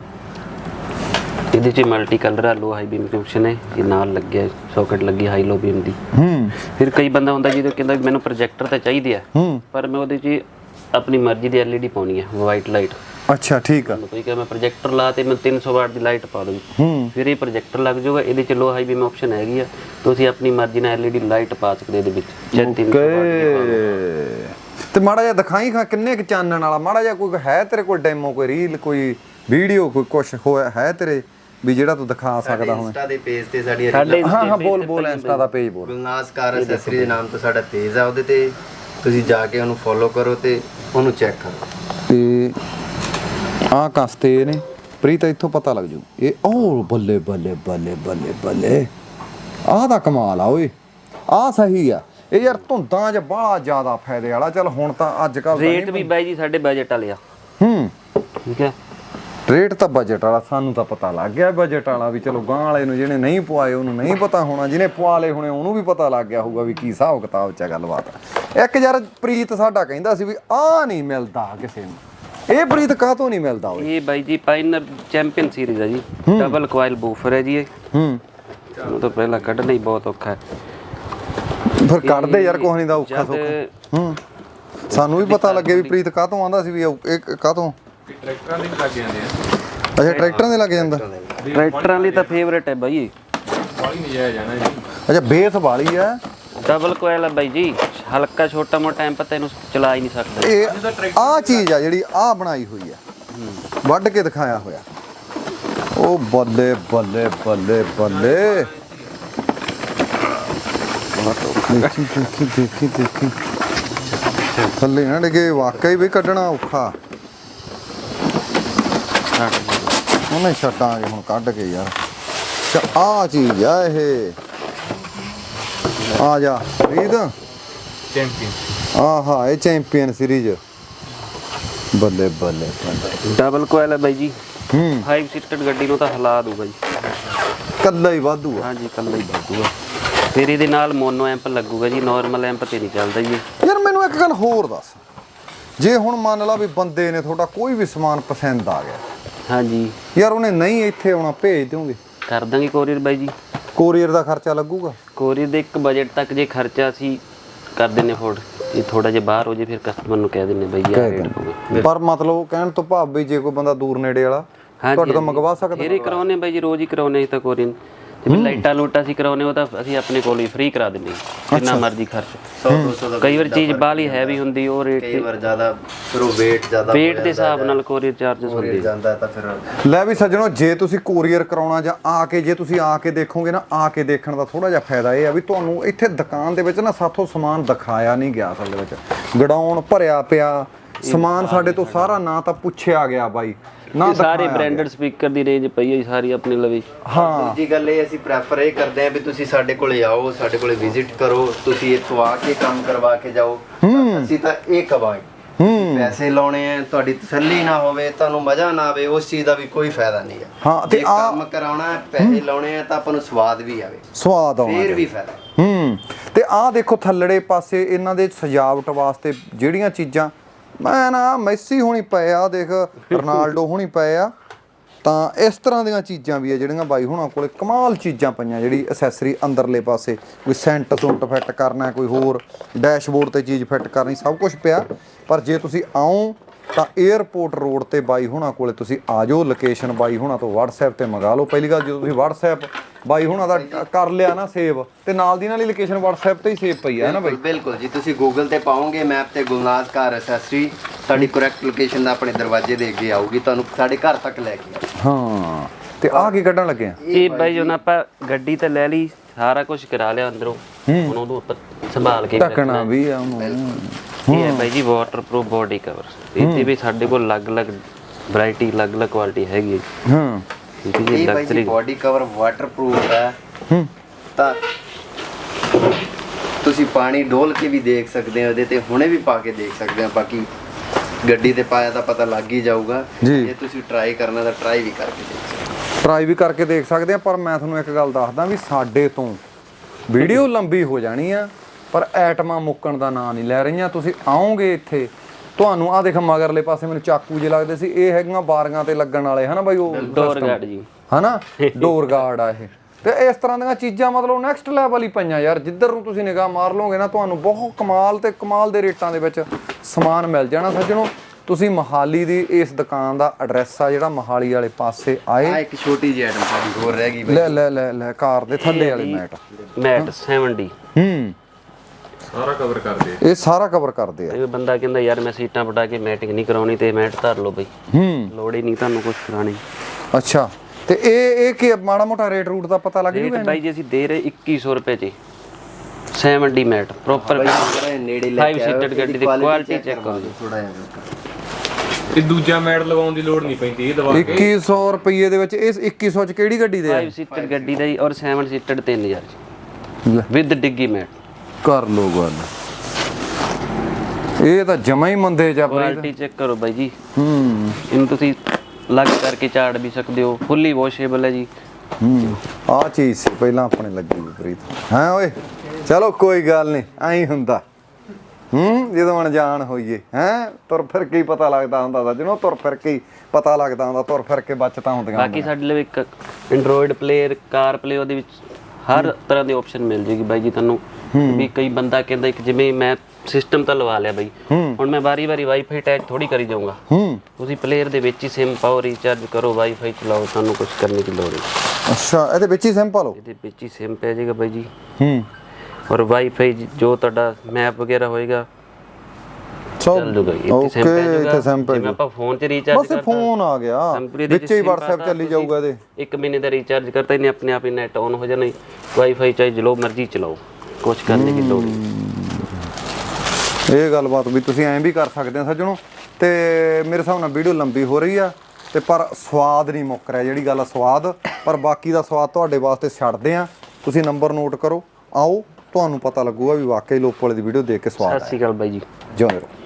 Speaker 1: ਇਹਦੇ 'ਚ ਮਲਟੀ ਕਲਰ ਆ, ਲੋ ਹਾਈ ਬੀਮ ਦੀ ਆਪਸ਼ਨ ਹੈ, ਇਹ ਨਾਲ ਲੱਗਿਆ ਸੌਕਟ ਲੱਗੀ ਹਾਈ ਲੋ ਬੀਮ ਦੀ। ਫਿਰ ਕਈ ਬੰਦਾ ਹੁੰਦਾ ਜਿਹਦੇ ਕਹਿੰਦਾ ਮੈਨੂੰ ਪ੍ਰੋਜੈਕਟਰ ਤਾਂ ਚਾਹੀਦੇ ਆ, ਪਰ ਮੈਂ ਉਹਦੇ 'ਚ ਆਪਣੀ ਮਰਜ਼ੀ ਦੀ LED ਪਾਉਣੀ ਹੈ, ਵਾਈਟ ਲਾਈਟ।
Speaker 2: ਅੱਛਾ, ਠੀਕ ਆ।
Speaker 1: ਕੋਈ ਕਹੇ ਮੈਂ ਪ੍ਰੋਜੈਕਟਰ ਲਾ ਤੇ ਮੈਂ 300 ਵਾਟ ਦੀ ਲਾਈਟ ਪਾ ਦੂੰ, ਫਿਰ ਇਹ ਪ੍ਰੋਜੈਕਟਰ ਲੱਗ ਜਾਊਗਾ। ਇਹਦੇ 'ਚ ਲੋ ਹਾਈ ਬੀਮ ਆਪਸ਼ਨ ਹੈਗੀ ਆ, ਤੁਸੀਂ ਆਪਣੀ ਮਰਜ਼ੀ ਨਾਲ LED ਲਾਈਟ ਪਾ ਸਕਦੇ ਇਹਦੇ ਵਿੱਚ, ਚਾਹੇ 300 ਵਾਟ ਦੀ ਪਾ ਲਓ।
Speaker 2: ਤੇ ਮਾੜਾ ਜਿਹਾ ਦਿਖਾਈ ਕਿੰਨੇ ਕੁ ਚਾਨਣ ਵਾਲਾ, ਮਾੜਾ ਜਿਹਾ ਕੋਈ ਹੈ ਤੇਰੇ ਕੋਲ ਡੈਮੋ, ਕੋਈ ਰੀਲ, ਕੋਈ ਵੀਡੀਓ, ਕੋਈ ਕੁਛ ਹੋਇਆ ਹੈ ਤੇਰੇ ਵੀ ਜਿਹੜਾ ਤੂੰ ਦਿਖਾ ਸਕਦਾ ਹੋਵੇਂ?
Speaker 3: ਇੰਸਟਾ ਦੇ ਪੇਜ ਤੇ ਸਾਡੀ
Speaker 2: ਹਾਂ ਬੋਲ ਇੰਸਟਾ ਦਾ ਪੇਜ ਬੋਲ।
Speaker 3: ਗੁਲਨਾਜ਼ ਕਾਰ ਐਕਸੈਸਰੀ ਦੇ ਨਾਮ ਤੋਂ ਸਾਡਾ ਪੇਜ ਆ, ਉਹਦੇ ਤੇ ਤੁਸੀਂ ਜਾ ਕੇ ਉਹਨੂੰ ਫੋਲੋ ਕਰੋ ਤੇ ਉਹਨੂੰ ਚੈੱਕ ਕਰੋ।
Speaker 2: ਤੇ ਆਹ ਕਸਤੇ ਨੇ ਪ੍ਰੀਤ, ਇੱਥੋਂ ਪਤਾ ਲੱਗ ਜੂ ਇਹ। ਓ ਬੱਲੇ ਬੱਲੇ ਬੱਲੇ ਬੱਲੇ ਬੱਲੇ, ਆਹ ਦਾ ਕਮਾਲ ਆ ਓਏ, ਆਹ ਸਹੀ ਆ। ਇਹ ਯਾਰ ਧੁੰਦਾਂ 'ਚ ਬੜਾ ਜ਼ਿਆਦਾ ਫਾਇਦੇ ਵਾਲਾ। ਚੱਲ ਹੁਣ ਤਾਂ ਅੱਜ ਕੱਲ
Speaker 1: ਰੇਟ ਵੀ ਬਾਈ ਜੀ ਸਾਡੇ ਬਜਟ ਵਾਲੇ ਆ। ਠੀਕ ਹੈ,
Speaker 2: ਰੇਟ ਤਾਂ ਬਜਟ ਵਾਲਾ, ਸਾਨੂੰ ਤਾਂ ਪਤਾ ਲੱਗ ਗਿਆ ਬਜਟ ਵਾਲਾ ਵੀ। ਚਲੋ ਗਾਂ ਵਾਲੇ ਨੂੰ ਜਿਹਨੇ ਨਹੀਂ ਪਵਾਏ ਉਹਨੂੰ ਨਹੀਂ ਪਤਾ ਹੋਣਾ, ਜਿਹਨੇ ਪਵਾ ਲਏ ਹੋਣੇ ਉਹਨੂੰ ਵੀ ਪਤਾ ਲੱਗ ਗਿਆ ਹੋਊਗਾ ਵੀ ਕੀ ਹਿਸਾਬ ਕਿਤਾਬ 'ਚ ਗੱਲਬਾਤ। ਇੱਕ ਯਾਰ ਪ੍ਰੀਤ ਸਾਡਾ ਕਹਿੰਦਾ ਸੀ ਵੀ ਆਹ ਨਹੀਂ ਮਿਲਦਾ ਕਿਸੇ ਨੂੰ, ਇਹ ਪ੍ਰੀਤ ਕਾਹਤੋਂ ਨਹੀਂ ਮਿਲਦਾ ਓਏ?
Speaker 1: ਇਹ ਬਾਈ ਜੀ ਪਾਇਨਰ ਚੈਂਪੀਅਨ ਸੀਰੀਜ਼ ਹੈ ਜੀ, ਡਬਲ ਕੁਆਇਲ ਬੂਫਰ ਹੈ ਜੀ ਇਹ। ਉਹ ਤਾਂ ਪਹਿਲਾਂ ਕੱਢਣਾ ਹੀ ਬਹੁਤ ਔਖਾ ਹੈ,
Speaker 2: ਫਿਰ ਕੱਢਦੇ ਯਾਰ, ਕੁਛ ਨਹੀਂ ਦਾ ਔਖਾ ਸੌਖਾ। ਸਾਨੂੰ ਵੀ ਪਤਾ ਲੱਗੇ ਵੀ ਪ੍ਰੀਤ ਕਾਹਤੋਂ ਆਂਦਾ ਸੀ ਵੀ ਇਹ ਕਾਹਤੋਂ।
Speaker 4: ਟਰੈਕਟਰਾਂ ਦੇ ਲੱਗ ਜਾਂਦੇ ਆ।
Speaker 2: ਅੱਛਾ, ਟਰੈਕਟਰਾਂ ਦੇ ਲੱਗ ਜਾਂਦਾ।
Speaker 1: ਟਰੈਕਟਰਾਂ ਲਈ ਤਾਂ ਫੇਵਰੇਟ ਹੈ ਬਾਈ,
Speaker 4: ਬਾਲੀ ਨਜਾਇਜ਼ ਆ ਨਾ ਜੀ।
Speaker 2: ਅੱਛਾ, ਬੇਸ ਵਾਲੀ ਆ,
Speaker 1: ਡਬਲ ਕੋਇਲ ਹੈ ਬਾਈ ਜੀ, ਹਲਕਾ ਛੋਟਾ ਮੋਟਾ ਟਾਈਮ ਪਤਾ ਇਹਨੂੰ ਚਲਾ ਹੀ ਨਹੀਂ ਸਕਦਾ।
Speaker 2: ਇਹ ਆਹ ਚੀਜ਼ ਆ ਜਿਹੜੀ ਆਹ ਬਣਾਈ ਹੋਈ ਆ, ਵੱਢ ਕੇ ਦਿਖਾਇਆ ਹੋਇਆ। ਉਹ ਬੱਲੇ ਬੱਲੇ ਬੱਲੇ ਬੱਲੇ, ਦੇਖੀ ਦੇਖੀ ਦੇਖੀ ਦੇਖੀ, ਥੱਲੇ ਨਾ ਡਿੱਗੇ, ਵਾਕਈ ਵੀ ਕੱਢਣਾ ਔਖਾ। ਉਹਨੇ ਛੱਡਾਂਗੇ ਹੁਣ ਕੱਢ ਕੇ ਯਾਰ। ਅੱਛਾ, ਆਹ ਚੀਜ਼ ਆ ਇਹ, ਆ ਜਾ ਰੀਦ,
Speaker 4: ਚੈਂਪੀਅਨ।
Speaker 2: ਆਹਾ, ਇਹ ਚੈਂਪੀਅਨ ਸੀਰੀਜ਼। ਬੱਲੇ ਬੱਲੇ,
Speaker 1: ਡਬਲ ਕੋਇਲ ਹੈ ਬਾਈ ਜੀ, 5 ਸੀਟਡ ਗੱਡੀ ਨੂੰ ਤਾਂ ਹਿਲਾ ਦੂਗਾ ਜੀ,
Speaker 2: ਕੱਲਾ ਹੀ ਵਾਧੂ ਆ।
Speaker 1: ਹਾਂਜੀ ਕੱਲਾ ਹੀ ਵਾਧੂਗਾ। ਫਿਰ ਇਹਦੇ ਨਾਲ ਮੋਨੋ ਐਂਪ ਲੱਗੂਗਾ ਜੀ, ਨਾਰਮਲ ਐਂਪ ਤੇ ਨਹੀਂ ਚੱਲਦਾ ਜੀ।
Speaker 2: ਯਾਰ ਮੈਨੂੰ ਇੱਕ ਗੱਲ ਹੋਰ ਦੱਸ, ਜੇ ਹੁਣ ਮੰਨ ਲਾ ਵੀ ਬੰਦੇ ਨੇ ਤੁਹਾਡਾ ਕੋਈ ਵੀ ਸਮਾਨ ਪਸੰਦ ਆ ਗਿਆ,
Speaker 1: ਹਾਂਜੀ
Speaker 2: ਯਾਰ ਉਹਨੇ ਨਹੀਂ ਇੱਥੇ ਆਉਣਾ, ਭੇਜ ਦਿਓਗੇ?
Speaker 1: ਕਰ ਦਾਂਗੇ ਕੋਰੀਅਰ ਬਾਈ ਜੀ।
Speaker 2: ਕੋਰੀਅਰ ਦਾ ਖਰਚਾ ਲੱਗੂਗਾ?
Speaker 1: ਕੋਰੀਅਰ ਦੇ ਇੱਕ ਬਜਟ ਤੱਕ ਜੇ ਖਰਚਾ ਅਸੀਂ ਕਰ ਦਿੰਨੇ ਅਫੋਰਡ, ਇਹ ਥੋੜਾ ਜਿਹਾ ਬਾਹਰ ਹੋ ਜੇ ਫਿਰ ਕਸਟਮਰ ਨੂੰ ਕਹਿ ਦਿੰਨੇ ਬਈ ਆ ਰੇਟ ਹੋਵੇ।
Speaker 2: ਪਰ ਮਤਲਬ ਕਹਿਣ ਤੋਂ ਭਾਵ ਵੀ ਜੇ ਕੋਈ ਬੰਦਾ ਦੂਰ ਨੇੜੇ ਵਾਲਾ ਤੁਹਾਡੇ ਤੋਂ ਮੰਗਵਾ ਸਕਦਾ?
Speaker 1: ਫਿਰ ਹੀ ਕਰਾਉਨੇ ਬਾਈ ਜੀ, ਰੋਜ਼ ਹੀ ਕਰਾਉਨੇ ਤਾਂ ਕੋਰੀਅਰ। ਜਿਵੇਂ ਲਾਈਟਾਂ ਲੂਟਾਂ ਅਸੀਂ ਕਰਾਉਨੇ ਉਹ ਤਾਂ ਅਸੀਂ ਆਪਣੇ ਕੋਲ ਹੀ ਫ੍ਰੀ ਕਰਾ ਦਿੰਨੇ, ਜਿੰਨਾ ਮਰਜ਼ੀ ਖਰਚ।
Speaker 3: 100-200 ਦਾ
Speaker 1: ਕਈ ਵਾਰ ਚੀਜ਼ ਬਾਹਲੀ ਹੈਵੀ ਹੁੰਦੀ, ਉਹ ਰੇਟ
Speaker 3: ਕਈ ਵਾਰ ਜ਼ਿਆਦਾ, ਫਿਰ ਉਹ weight ਜ਼ਿਆਦਾ
Speaker 1: ਵੇਟ ਦੇ ਹਿਸਾਬ ਨਾਲ ਕੋਰੀਅਰ ਚਾਰजेस ਹੁੰਦੇ।
Speaker 3: ਜਾਂਦਾ ਤਾਂ ਫਿਰ
Speaker 2: ਲੈ ਵੀ ਸੱਜਣੋ, ਜੇ ਤੁਸੀਂ ਕੋਰੀਅਰ ਕਰਾਉਣਾ ਜਾਂ ਆ ਕੇ, ਜੇ ਤੁਸੀਂ ਆ ਕੇ ਦੇਖੋਗੇ ਨਾ, ਆ ਕੇ ਦੇਖਣ ਦਾ ਥੋੜਾ ਜਿਹਾ ਫਾਇਦਾ ਇਹ ਆ ਵੀ ਤੁਹਾਨੂੰ ਇੱਥੇ ਦੁਕਾਨ ਦੇ ਵਿੱਚ ਨਾ ਸਾਥੋਂ ਸਮਾਨ ਦਿਖਾਇਆ ਨਹੀਂ ਗਿਆ ਅਸਲ ਦੇ ਵਿੱਚ। ਗਡਾਊਨ ਭਰਿਆ ਪਿਆ ਸਮਾਨ, ਸਾਡੇ ਤੋਂ ਸਾਰਾ ਨਾ ਤਾਂ ਪੁੱਛਿਆ ਗਿਆ ਬਾਈ, ਨਾ
Speaker 1: ਸਾਰੇ ਬ੍ਰਾਂਡਡ ਸਪੀਕਰ ਦੀ ਰੇਂਜ ਪਈ ਹੈ ਜੀ ਸਾਰੀ ਆਪਣੇ ਲਵੇ।
Speaker 2: ਹਾਂ
Speaker 3: ਦੂਜੀ ਗੱਲ ਇਹ ਅਸੀਂ ਪ੍ਰੈਫਰ ਇਹ ਕਰਦੇ ਆ ਵੀ ਤੁਸੀਂ ਸਾਡੇ ਕੋਲੇ ਆਓ, ਸਾਡੇ ਕੋਲੇ ਵਿਜ਼ਿਟ ਕਰੋ, ਤੁਸੀਂ ਇੱਥੋਂ ਆ ਕੇ ਕੰਮ ਕਰਵਾ ਕੇ ਜਾਓ। ਅਸੀਂ ਤਾਂ ਇਹ ਕਵਾਂਗੇ, ਪੈਸੇ ਲਾਉਣੇ ਆ, ਤੁਹਾਡੀ ਤਸੱਲੀ ਨਾ ਹੋਵੇ, ਤੁਹਾਨੂੰ ਮਜ਼ਾ ਨਾ ਆਵੇ, ਉਸ ਚੀਜ਼ ਦਾ ਵੀ ਕੋਈ ਫਾਇਦਾ ਨਹੀਂ ਹੈ।
Speaker 2: ਹਾਂ, ਤੇ
Speaker 3: ਜੇ ਕੰਮ ਕਰਾਉਣਾ ਹੈ, ਪੈਸੇ ਲਾਉਣੇ ਆ ਤਾਂ ਆਪਾਂ ਨੂੰ ਸਵਾਦ ਵੀ ਆਵੇ,
Speaker 2: ਸਵਾਦ ਆਉਣਾ
Speaker 3: ਫੇਰ ਵੀ ਫਾਇਦਾ।
Speaker 2: ਤੇ ਆਹ ਦੇਖੋ ਥੱਲੜੇ ਪਾਸੇ ਇਹਨਾਂ ਦੇ ਸਜਾਵਟ ਵਾਸਤੇ ਜਿਹੜੀਆਂ ਚੀਜ਼ਾਂ, ਮੈਂ ਨਾ ਮੈਸੀ ਹੋਣੀ ਪਏ ਆ, ਦੇਖ ਰੋਨਾਲਡੋ ਹੋਣੀ ਪਏ ਆ, ਤਾਂ ਇਸ ਤਰ੍ਹਾਂ ਦੀਆਂ ਚੀਜ਼ਾਂ ਵੀ ਆ ਜਿਹੜੀਆਂ ਬਾਈ ਹੁਣਾਂ ਕੋਲੇ ਕਮਾਲ ਚੀਜ਼ਾਂ ਪਈਆਂ। ਜਿਹੜੀ ਐਸੈਸਰੀ ਅੰਦਰਲੇ ਪਾਸੇ ਕੋਈ ਸੈਂਟ ਸੁੰਟ ਫਿੱਟ ਕਰਨਾ, ਕੋਈ ਹੋਰ ਡੈਸ਼ਬੋਰਡ ਤੇ ਚੀਜ਼ ਫਿੱਟ ਕਰਨੀ, ਸਭ ਕੁਝ ਪਿਆ। ਪਰ ਜੇ ਤੁਸੀਂ ਆਓ ਤਾਂ 에ਅਰਪੋਰਟ ਰੋਡ ਤੇ ਬਾਈ ਹੁਣਾਂ ਕੋਲੇ ਤੁਸੀਂ ਆ ਜਾਓ। ਲੋਕੇਸ਼ਨ ਬਾਈ ਹੁਣਾਂ ਤੋਂ WhatsApp ਤੇ ਮੰਗਾ ਲਓ। ਪਹਿਲੀ ਗੱਲ, ਜਦੋਂ ਤੁਸੀਂ WhatsApp ਬਾਈ ਹੁਣਾਂ ਦਾ ਕਰ ਲਿਆ ਨਾ ਸੇਵ, ਤੇ ਨਾਲ ਦੀ ਨਾਲ ਹੀ ਲੋਕੇਸ਼ਨ WhatsApp ਤੇ ਹੀ ਸੇਵ ਪਈ ਹੈ ਨਾ ਬਾਈ।
Speaker 3: ਬਿਲਕੁਲ ਜੀ, ਤੁਸੀਂ ਗੂਗਲ ਤੇ ਪਾਓਗੇ ਮੈਪ ਤੇ ਗੁਲਨਾਜ਼ ਕਾਰ ਐਸੈਸਰੀ, ਤੁਹਾਡੀ ਕਰੈਕਟ ਲੋਕੇਸ਼ਨ ਦਾ ਆਪਣੇ ਦਰਵਾਜ਼ੇ ਦੇ ਅੱਗੇ ਆਊਗੀ, ਤੁਹਾਨੂੰ ਸਾਡੇ ਘਰ ਤੱਕ ਲੈ ਕੇ ਆਊਗੀ।
Speaker 2: ਹਾਂ, ਤੇ ਆਹ ਕੀ ਕੱਢਣ ਲੱਗੇ ਆ?
Speaker 1: ਇਹ ਬਾਈ ਜਦੋਂ ਆਪਾਂ ਗੱਡੀ ਤੇ ਲੈ ਲਈ, ਸਾਰਾ ਕੁਝ ਕਰਾ ਲਿਆ ਅੰਦਰੋਂ, ਹੁਣ ਉਹਨੂੰ ਆਪਾਂ ਸੰਭਾਲ ਕੇ
Speaker 2: ਢੱਕਣਾ ਵੀ ਆ ਉਹਨੂੰ।
Speaker 1: ਇਹ ਹੈ ਬਾਈ ਜੀ ਵਾਟਰਪ੍ਰੂਫ ਬੋਡੀ ਕਵਰ। ਇਹਦੇ ਵੀ ਸਾਡੇ ਕੋਲ ਅਲੱਗ-ਅਲੱਗ ਵੈਰਾਈਟੀ, ਅਲੱਗ-ਅਲੱਗ ਕੁਆਲਿਟੀ ਹੈਗੀ ਹੈ।
Speaker 2: ਹਾਂ,
Speaker 3: ਇਹ ਬਾਈ ਜੀ ਬੋਡੀ ਕਵਰ ਵਾਟਰਪ੍ਰੂਫ ਹੈ, ਤਾਂ ਤੁਸੀਂ ਪਾਣੀ ਡੋਲ ਕੇ ਵੀ ਦੇਖ ਸਕਦੇ ਹੋ, ਇਹਦੇ ਤੇ ਹੁਣੇ ਵੀ ਪਾ ਕੇ ਦੇਖ ਸਕਦੇ ਹੋ। ਬਾਕੀ ਗੱਡੀ ਤੇ ਪਾਇਆ ਤਾਂ ਪਤਾ ਲੱਗ ਹੀ ਜਾਊਗਾ। ਜੇ ਤੁਸੀਂ ਟਰਾਈ ਕਰਨਾ ਤਾਂ ਟਰਾਈ ਵੀ ਕਰਕੇ ਦੇਖ ਸਕਦੇ ਹੋ।
Speaker 2: ਟਰਾਈ ਵੀ ਕਰਕੇ ਦੇਖ ਸਕਦੇ ਆ। ਪਰ ਮੈਂ ਤੁਹਾਨੂੰ ਇੱਕ ਗੱਲ ਦੱਸਦਾ ਵੀ ਸਾਡੇ ਤੋਂ ਵੀਡੀਓ ਲੰਬੀ ਹੋ ਜਾਣੀ ਆ, ਪਰ ਐਟਮਾਂ ਮੁੱਕਣ ਦਾ ਨਾਂ ਨਹੀਂ ਲੈ ਰਹੀਆਂ। ਤੁਸੀਂ ਆਓਗੇ ਇੱਥੇ, ਤੁਹਾਨੂੰ ਆਹ ਦੇਖ ਮਗਰਲੇ ਪਾਸੇ ਮੈਨੂੰ ਚਾਕੂ ਜੇ ਲੱਗਦੇ ਸੀ, ਇਹ ਹੈਗੀਆਂ ਬਾਰੀਆਂ ਤੇ ਲੱਗਣ ਵਾਲੇ ਹਨਾ ਬਾਈ, ਉਹ
Speaker 1: ਡੋਰ ਗਾਰਡ ਜੀ
Speaker 2: ਹਨਾ, ਡੋਰ ਗਾਰਡ ਆ ਇਹ। ਤੇ ਇਸ ਤਰ੍ਹਾਂ ਦੀਆਂ ਚੀਜ਼ਾਂ ਮਤਲਬ ਨੈਕਸਟ ਲੈਵਲ ਹੀ ਪਈਆਂ ਯਾਰ। ਜਿੱਧਰ ਨੂੰ ਤੁਸੀਂ ਨਿਗਾਹ ਮਾਰ ਲਓਗੇ ਨਾ, ਤੁਹਾਨੂੰ ਬਹੁਤ ਕਮਾਲ ਤੇ ਕਮਾਲ ਦੇ ਰੇਟਾਂ ਦੇ ਵਿੱਚ ਸਮਾਨ ਮਿਲ ਜਾਣਾ। ਸੱਜਣੋ, ਤੁਸੀਂ ਮੋਹਾਲੀ ਦੀ ਇਸ ਦੁਕਾਨ ਦਾ ਐਡਰੈਸ ਆ ਜਿਹੜਾ ਮੋਹਾਲੀ ਵਾਲੇ ਪਾਸੇ ਆਏ।
Speaker 3: ਆ ਇੱਕ ਛੋਟੀ ਜਿਹੀ ਆਈਟਮ ਸਾਡੀ ਹੋਰ ਰਹਿ ਗਈ ਬਾਈ।
Speaker 2: ਲੈ ਲੈ ਲੈ ਲੈ, ਕਾਰ ਦੇ ਥੱਲੇ ਵਾਲੇ ਮੈਟ
Speaker 1: 70।
Speaker 4: ਸਾਰਾ ਕਵਰ ਕਰਦੇ
Speaker 2: ਇਹ ਸਾਰਾ ਕਵਰ ਕਰਦੇ ਆ।
Speaker 1: ਇਹ ਬੰਦਾ ਕਹਿੰਦਾ ਯਾਰ ਮੈਂ ਸੀਟਾਂ ਪਟਾ ਕੇ ਮੈਟਿੰਗ ਨਹੀਂ ਕਰਾਉਣੀ, ਤੇ ਮੈਟ ਧਰ ਲਓ ਬਈ, ਲੋੜ ਹੀ ਨਹੀਂ ਤੁਹਾਨੂੰ ਕੁਝ ਕਰਾਣੀ।
Speaker 2: ਅੱਛਾ, ਤੇ ਇਹ ਕੀ ਮਾੜਾ ਮੋਟਾ ਰੇਟ ਰੂਟ ਦਾ ਪਤਾ ਲੱਗ ਜੂਗਾ?
Speaker 1: ਬਾਈ ਜੀ ਅਸੀਂ ਦੇ ਰਹੇ 2100 ਰੁਪਏ ਚ 70 ਮੈਟ ਪ੍ਰੋਪਰ
Speaker 3: ਨੇੜੇ ਲੈ
Speaker 1: 5 ਸੀਟਡ ਗੱਡੀ ਦੀ ਕੁਆਲਿਟੀ ਚੈੱਕ ਕਰੋ ਜੀ।
Speaker 3: ਥੋੜਾ ਜਿਹਾ
Speaker 4: ਇਹ ਦੂਜਾ ਮੈਟ ਲਗਾਉਣ ਦੀ ਲੋੜ ਨਹੀਂ ਪੈਂਦੀ, ਇਹ ਦਵਾ ਕੇ
Speaker 2: 2100 ਰੁਪਏ ਦੇ ਵਿੱਚ। ਇਸ 2100 ਚ ਕਿਹੜੀ ਗੱਡੀ ਦੇ ਆ?
Speaker 1: 5 ਸੀਟਡ ਗੱਡੀ ਦਾ ਜੀ, ਔਰ 7 ਸੀਟਡ 3000 ਚ ਵਿਦ ਡਿੱਗੀ ਮੈਟ।
Speaker 2: ਕਰ ਲੋ ਗੱਲ, ਇਹ ਤਾਂ ਜਮਾ ਹੀ ਮੰਦੇ ਜਾ।
Speaker 1: ਕੁਆਲਿਟੀ ਚੈੱਕ ਕਰੋ ਬਾਈ ਜੀ। ਇਹਨੂੰ ਤੁਸੀਂ ਲੱਗ ਕਰਕੇ ਝਾੜ ਵੀ ਸਕਦੇ ਹੋ, ਫੁੱਲੀ ਵਾਸ਼ੇਬਲ ਹੈ ਜੀ।
Speaker 2: ਆਹ ਚੀਜ਼ ਸੀ ਪਹਿਲਾਂ ਆਪਣੇ ਲੱਗੀ ਪ੍ਰੀਤ। ਹਾਂ ਓਏ, ਚਲੋ ਕੋਈ ਗੱਲ ਨਹੀਂ, ਐਂ ਹੁੰਦਾ। ਜਦੋਂ ਅਣਜਾਣ ਹੋਈਏ, ਤੁਰ ਫਿਰ ਕੇ ਹੀ ਪਤਾ ਲੱਗਦਾ ਹੁੰਦਾ ਤਾਂ, ਜਿਹਨੂੰ ਤੁਰ ਫਿਰ ਕੇ ਹੀ ਪਤਾ ਲੱਗਦਾ ਹੁੰਦਾ, ਤੁਰ ਫਿਰ ਕੇ ਬਚਤਾਂ ਹੁੰਦੀਆਂ।
Speaker 1: ਬਾਕੀ ਸਾਡੇ ਲਈ ਇੱਕ ਐਂਡਰੋਇਡ ਪਲੇਅਰ, ਕਾਰ ਪਲੇ, ਉਹਦੇ ਵਿੱਚ ਹਰ ਤਰ੍ਹਾਂ ਦੀ ਆਪਸ਼ਨ ਮਿਲ ਜੇਗੀ ਬਾਈ ਜੀ ਤੁਹਾਨੂੰ। ਵੀ ਕਈ ਬੰਦਾ ਕਹਿੰਦਾ ਇੱਕ ਜਿਵੇਂ ਮੈਂ ਸਿਸਟਮ ਤਾਂ ਲਵਾ ਲਿਆ ਬਾਈ, ਹੁਣ ਮੈਂ ਵਾਰੀ-ਵਾਰੀ ਵਾਈਫਾਈ ਅਟੈਚ ਥੋੜੀ ਕਰੀ ਜਾਊਂਗਾ। ਤੁਸੀਂ ਪਲੇਅਰ ਦੇ ਵਿੱਚ ਹੀ ਸਿਮ ਪਾਓ, ਰੀਚਾਰਜ ਕਰੋ, ਵਾਈਫਾਈ ਚਲਾਓ, ਤੁਹਾਨੂੰ ਕੁਝ ਕਰਨੇ ਦੀ ਲੋੜ ਨਹੀਂ।
Speaker 2: ਅੱਛਾ, ਇਹਦੇ ਵਿੱਚ ਹੀ ਸਿਮ ਪਾ ਲਓ?
Speaker 1: ਇਹਦੇ ਵਿੱਚ ਹੀ ਸਿਮ ਪੈ ਜਾਏਗਾ ਬਾਈ ਜੀ। ਔਰ ਵਾਈਫਾਈ ਜੋ ਤੁਹਾਡਾ ਮੈਪ ਵਗੈਰਾ ਹੋਏਗਾ ਚੱਲ ਜੂਗਾ। ਇੱਥੇ ਸਿਮ ਪੈ ਜਾਊਗਾ। ਜਿਵੇਂ ਆਪਾਂ ਫੋਨ 'ਚ ਰੀਚਾਰਜ ਕਰਤਾ,
Speaker 2: ਫੋਨ ਆ ਗਿਆ ਵਿੱਚ ਹੀ WhatsApp ਚੱਲੀ ਜਾਊਗਾ ਇਹਦੇ।
Speaker 1: 1 ਮਹੀਨੇ ਦਾ ਰੀਚਾਰਜ ਕਰਤਾ, ਇਹਨੇ ਆਪਣੇ ਆਪ ਹੀ ਨੈਟ ਔਨ ਹੋ ਜਾਣਾ। ਵਾਈਫਾਈ ਚਾਹੇ ਜੋ ਮਰਜ਼ੀ ਚਲਾਓ, ਕੁਝ ਕਰਨੇ ਦੀ ਲੋੜ ਨਹੀਂ।
Speaker 2: ਇਹ ਗੱਲਬਾਤ ਵੀ ਤੁਸੀਂ ਐਂ ਵੀ ਕਰ ਸਕਦੇ ਆ ਸੱਜਣੋ। ਤੇ ਮੇਰੇ ਹਿਸਾਬ ਨਾਲ ਵੀਡੀਓ ਲੰਬੀ ਹੋ ਰਹੀ ਆ, ਤੇ ਪਰ ਸਵਾਦ ਨਹੀਂ ਮੁੱਕ ਰਿਹਾ। ਜਿਹੜੀ ਗੱਲ ਆ ਸਵਾਦ, ਪਰ ਬਾਕੀ ਦਾ ਸਵਾਦ ਤੁਹਾਡੇ ਵਾਸਤੇ ਛੱਡਦੇ ਆ। ਤੁਸੀਂ ਨੰਬਰ ਨੋਟ ਕਰੋ, ਆਓ, ਤੁਹਾਨੂੰ ਪਤਾ ਲੱਗੂਗਾ ਵੀ ਵਾਕਈ ਲੋਪੋ ਵਾਲੇ ਦੀ ਵੀਡੀਓ ਦੇਖ ਕੇ ਸਵਾਦ ਆਇਆ।
Speaker 1: ਸਤਿ ਸ਼੍ਰੀ ਅਕਾਲ ਬਾਈ ਜੀ।
Speaker 2: ਜਿਉਂਦੇ ਰਹੋ।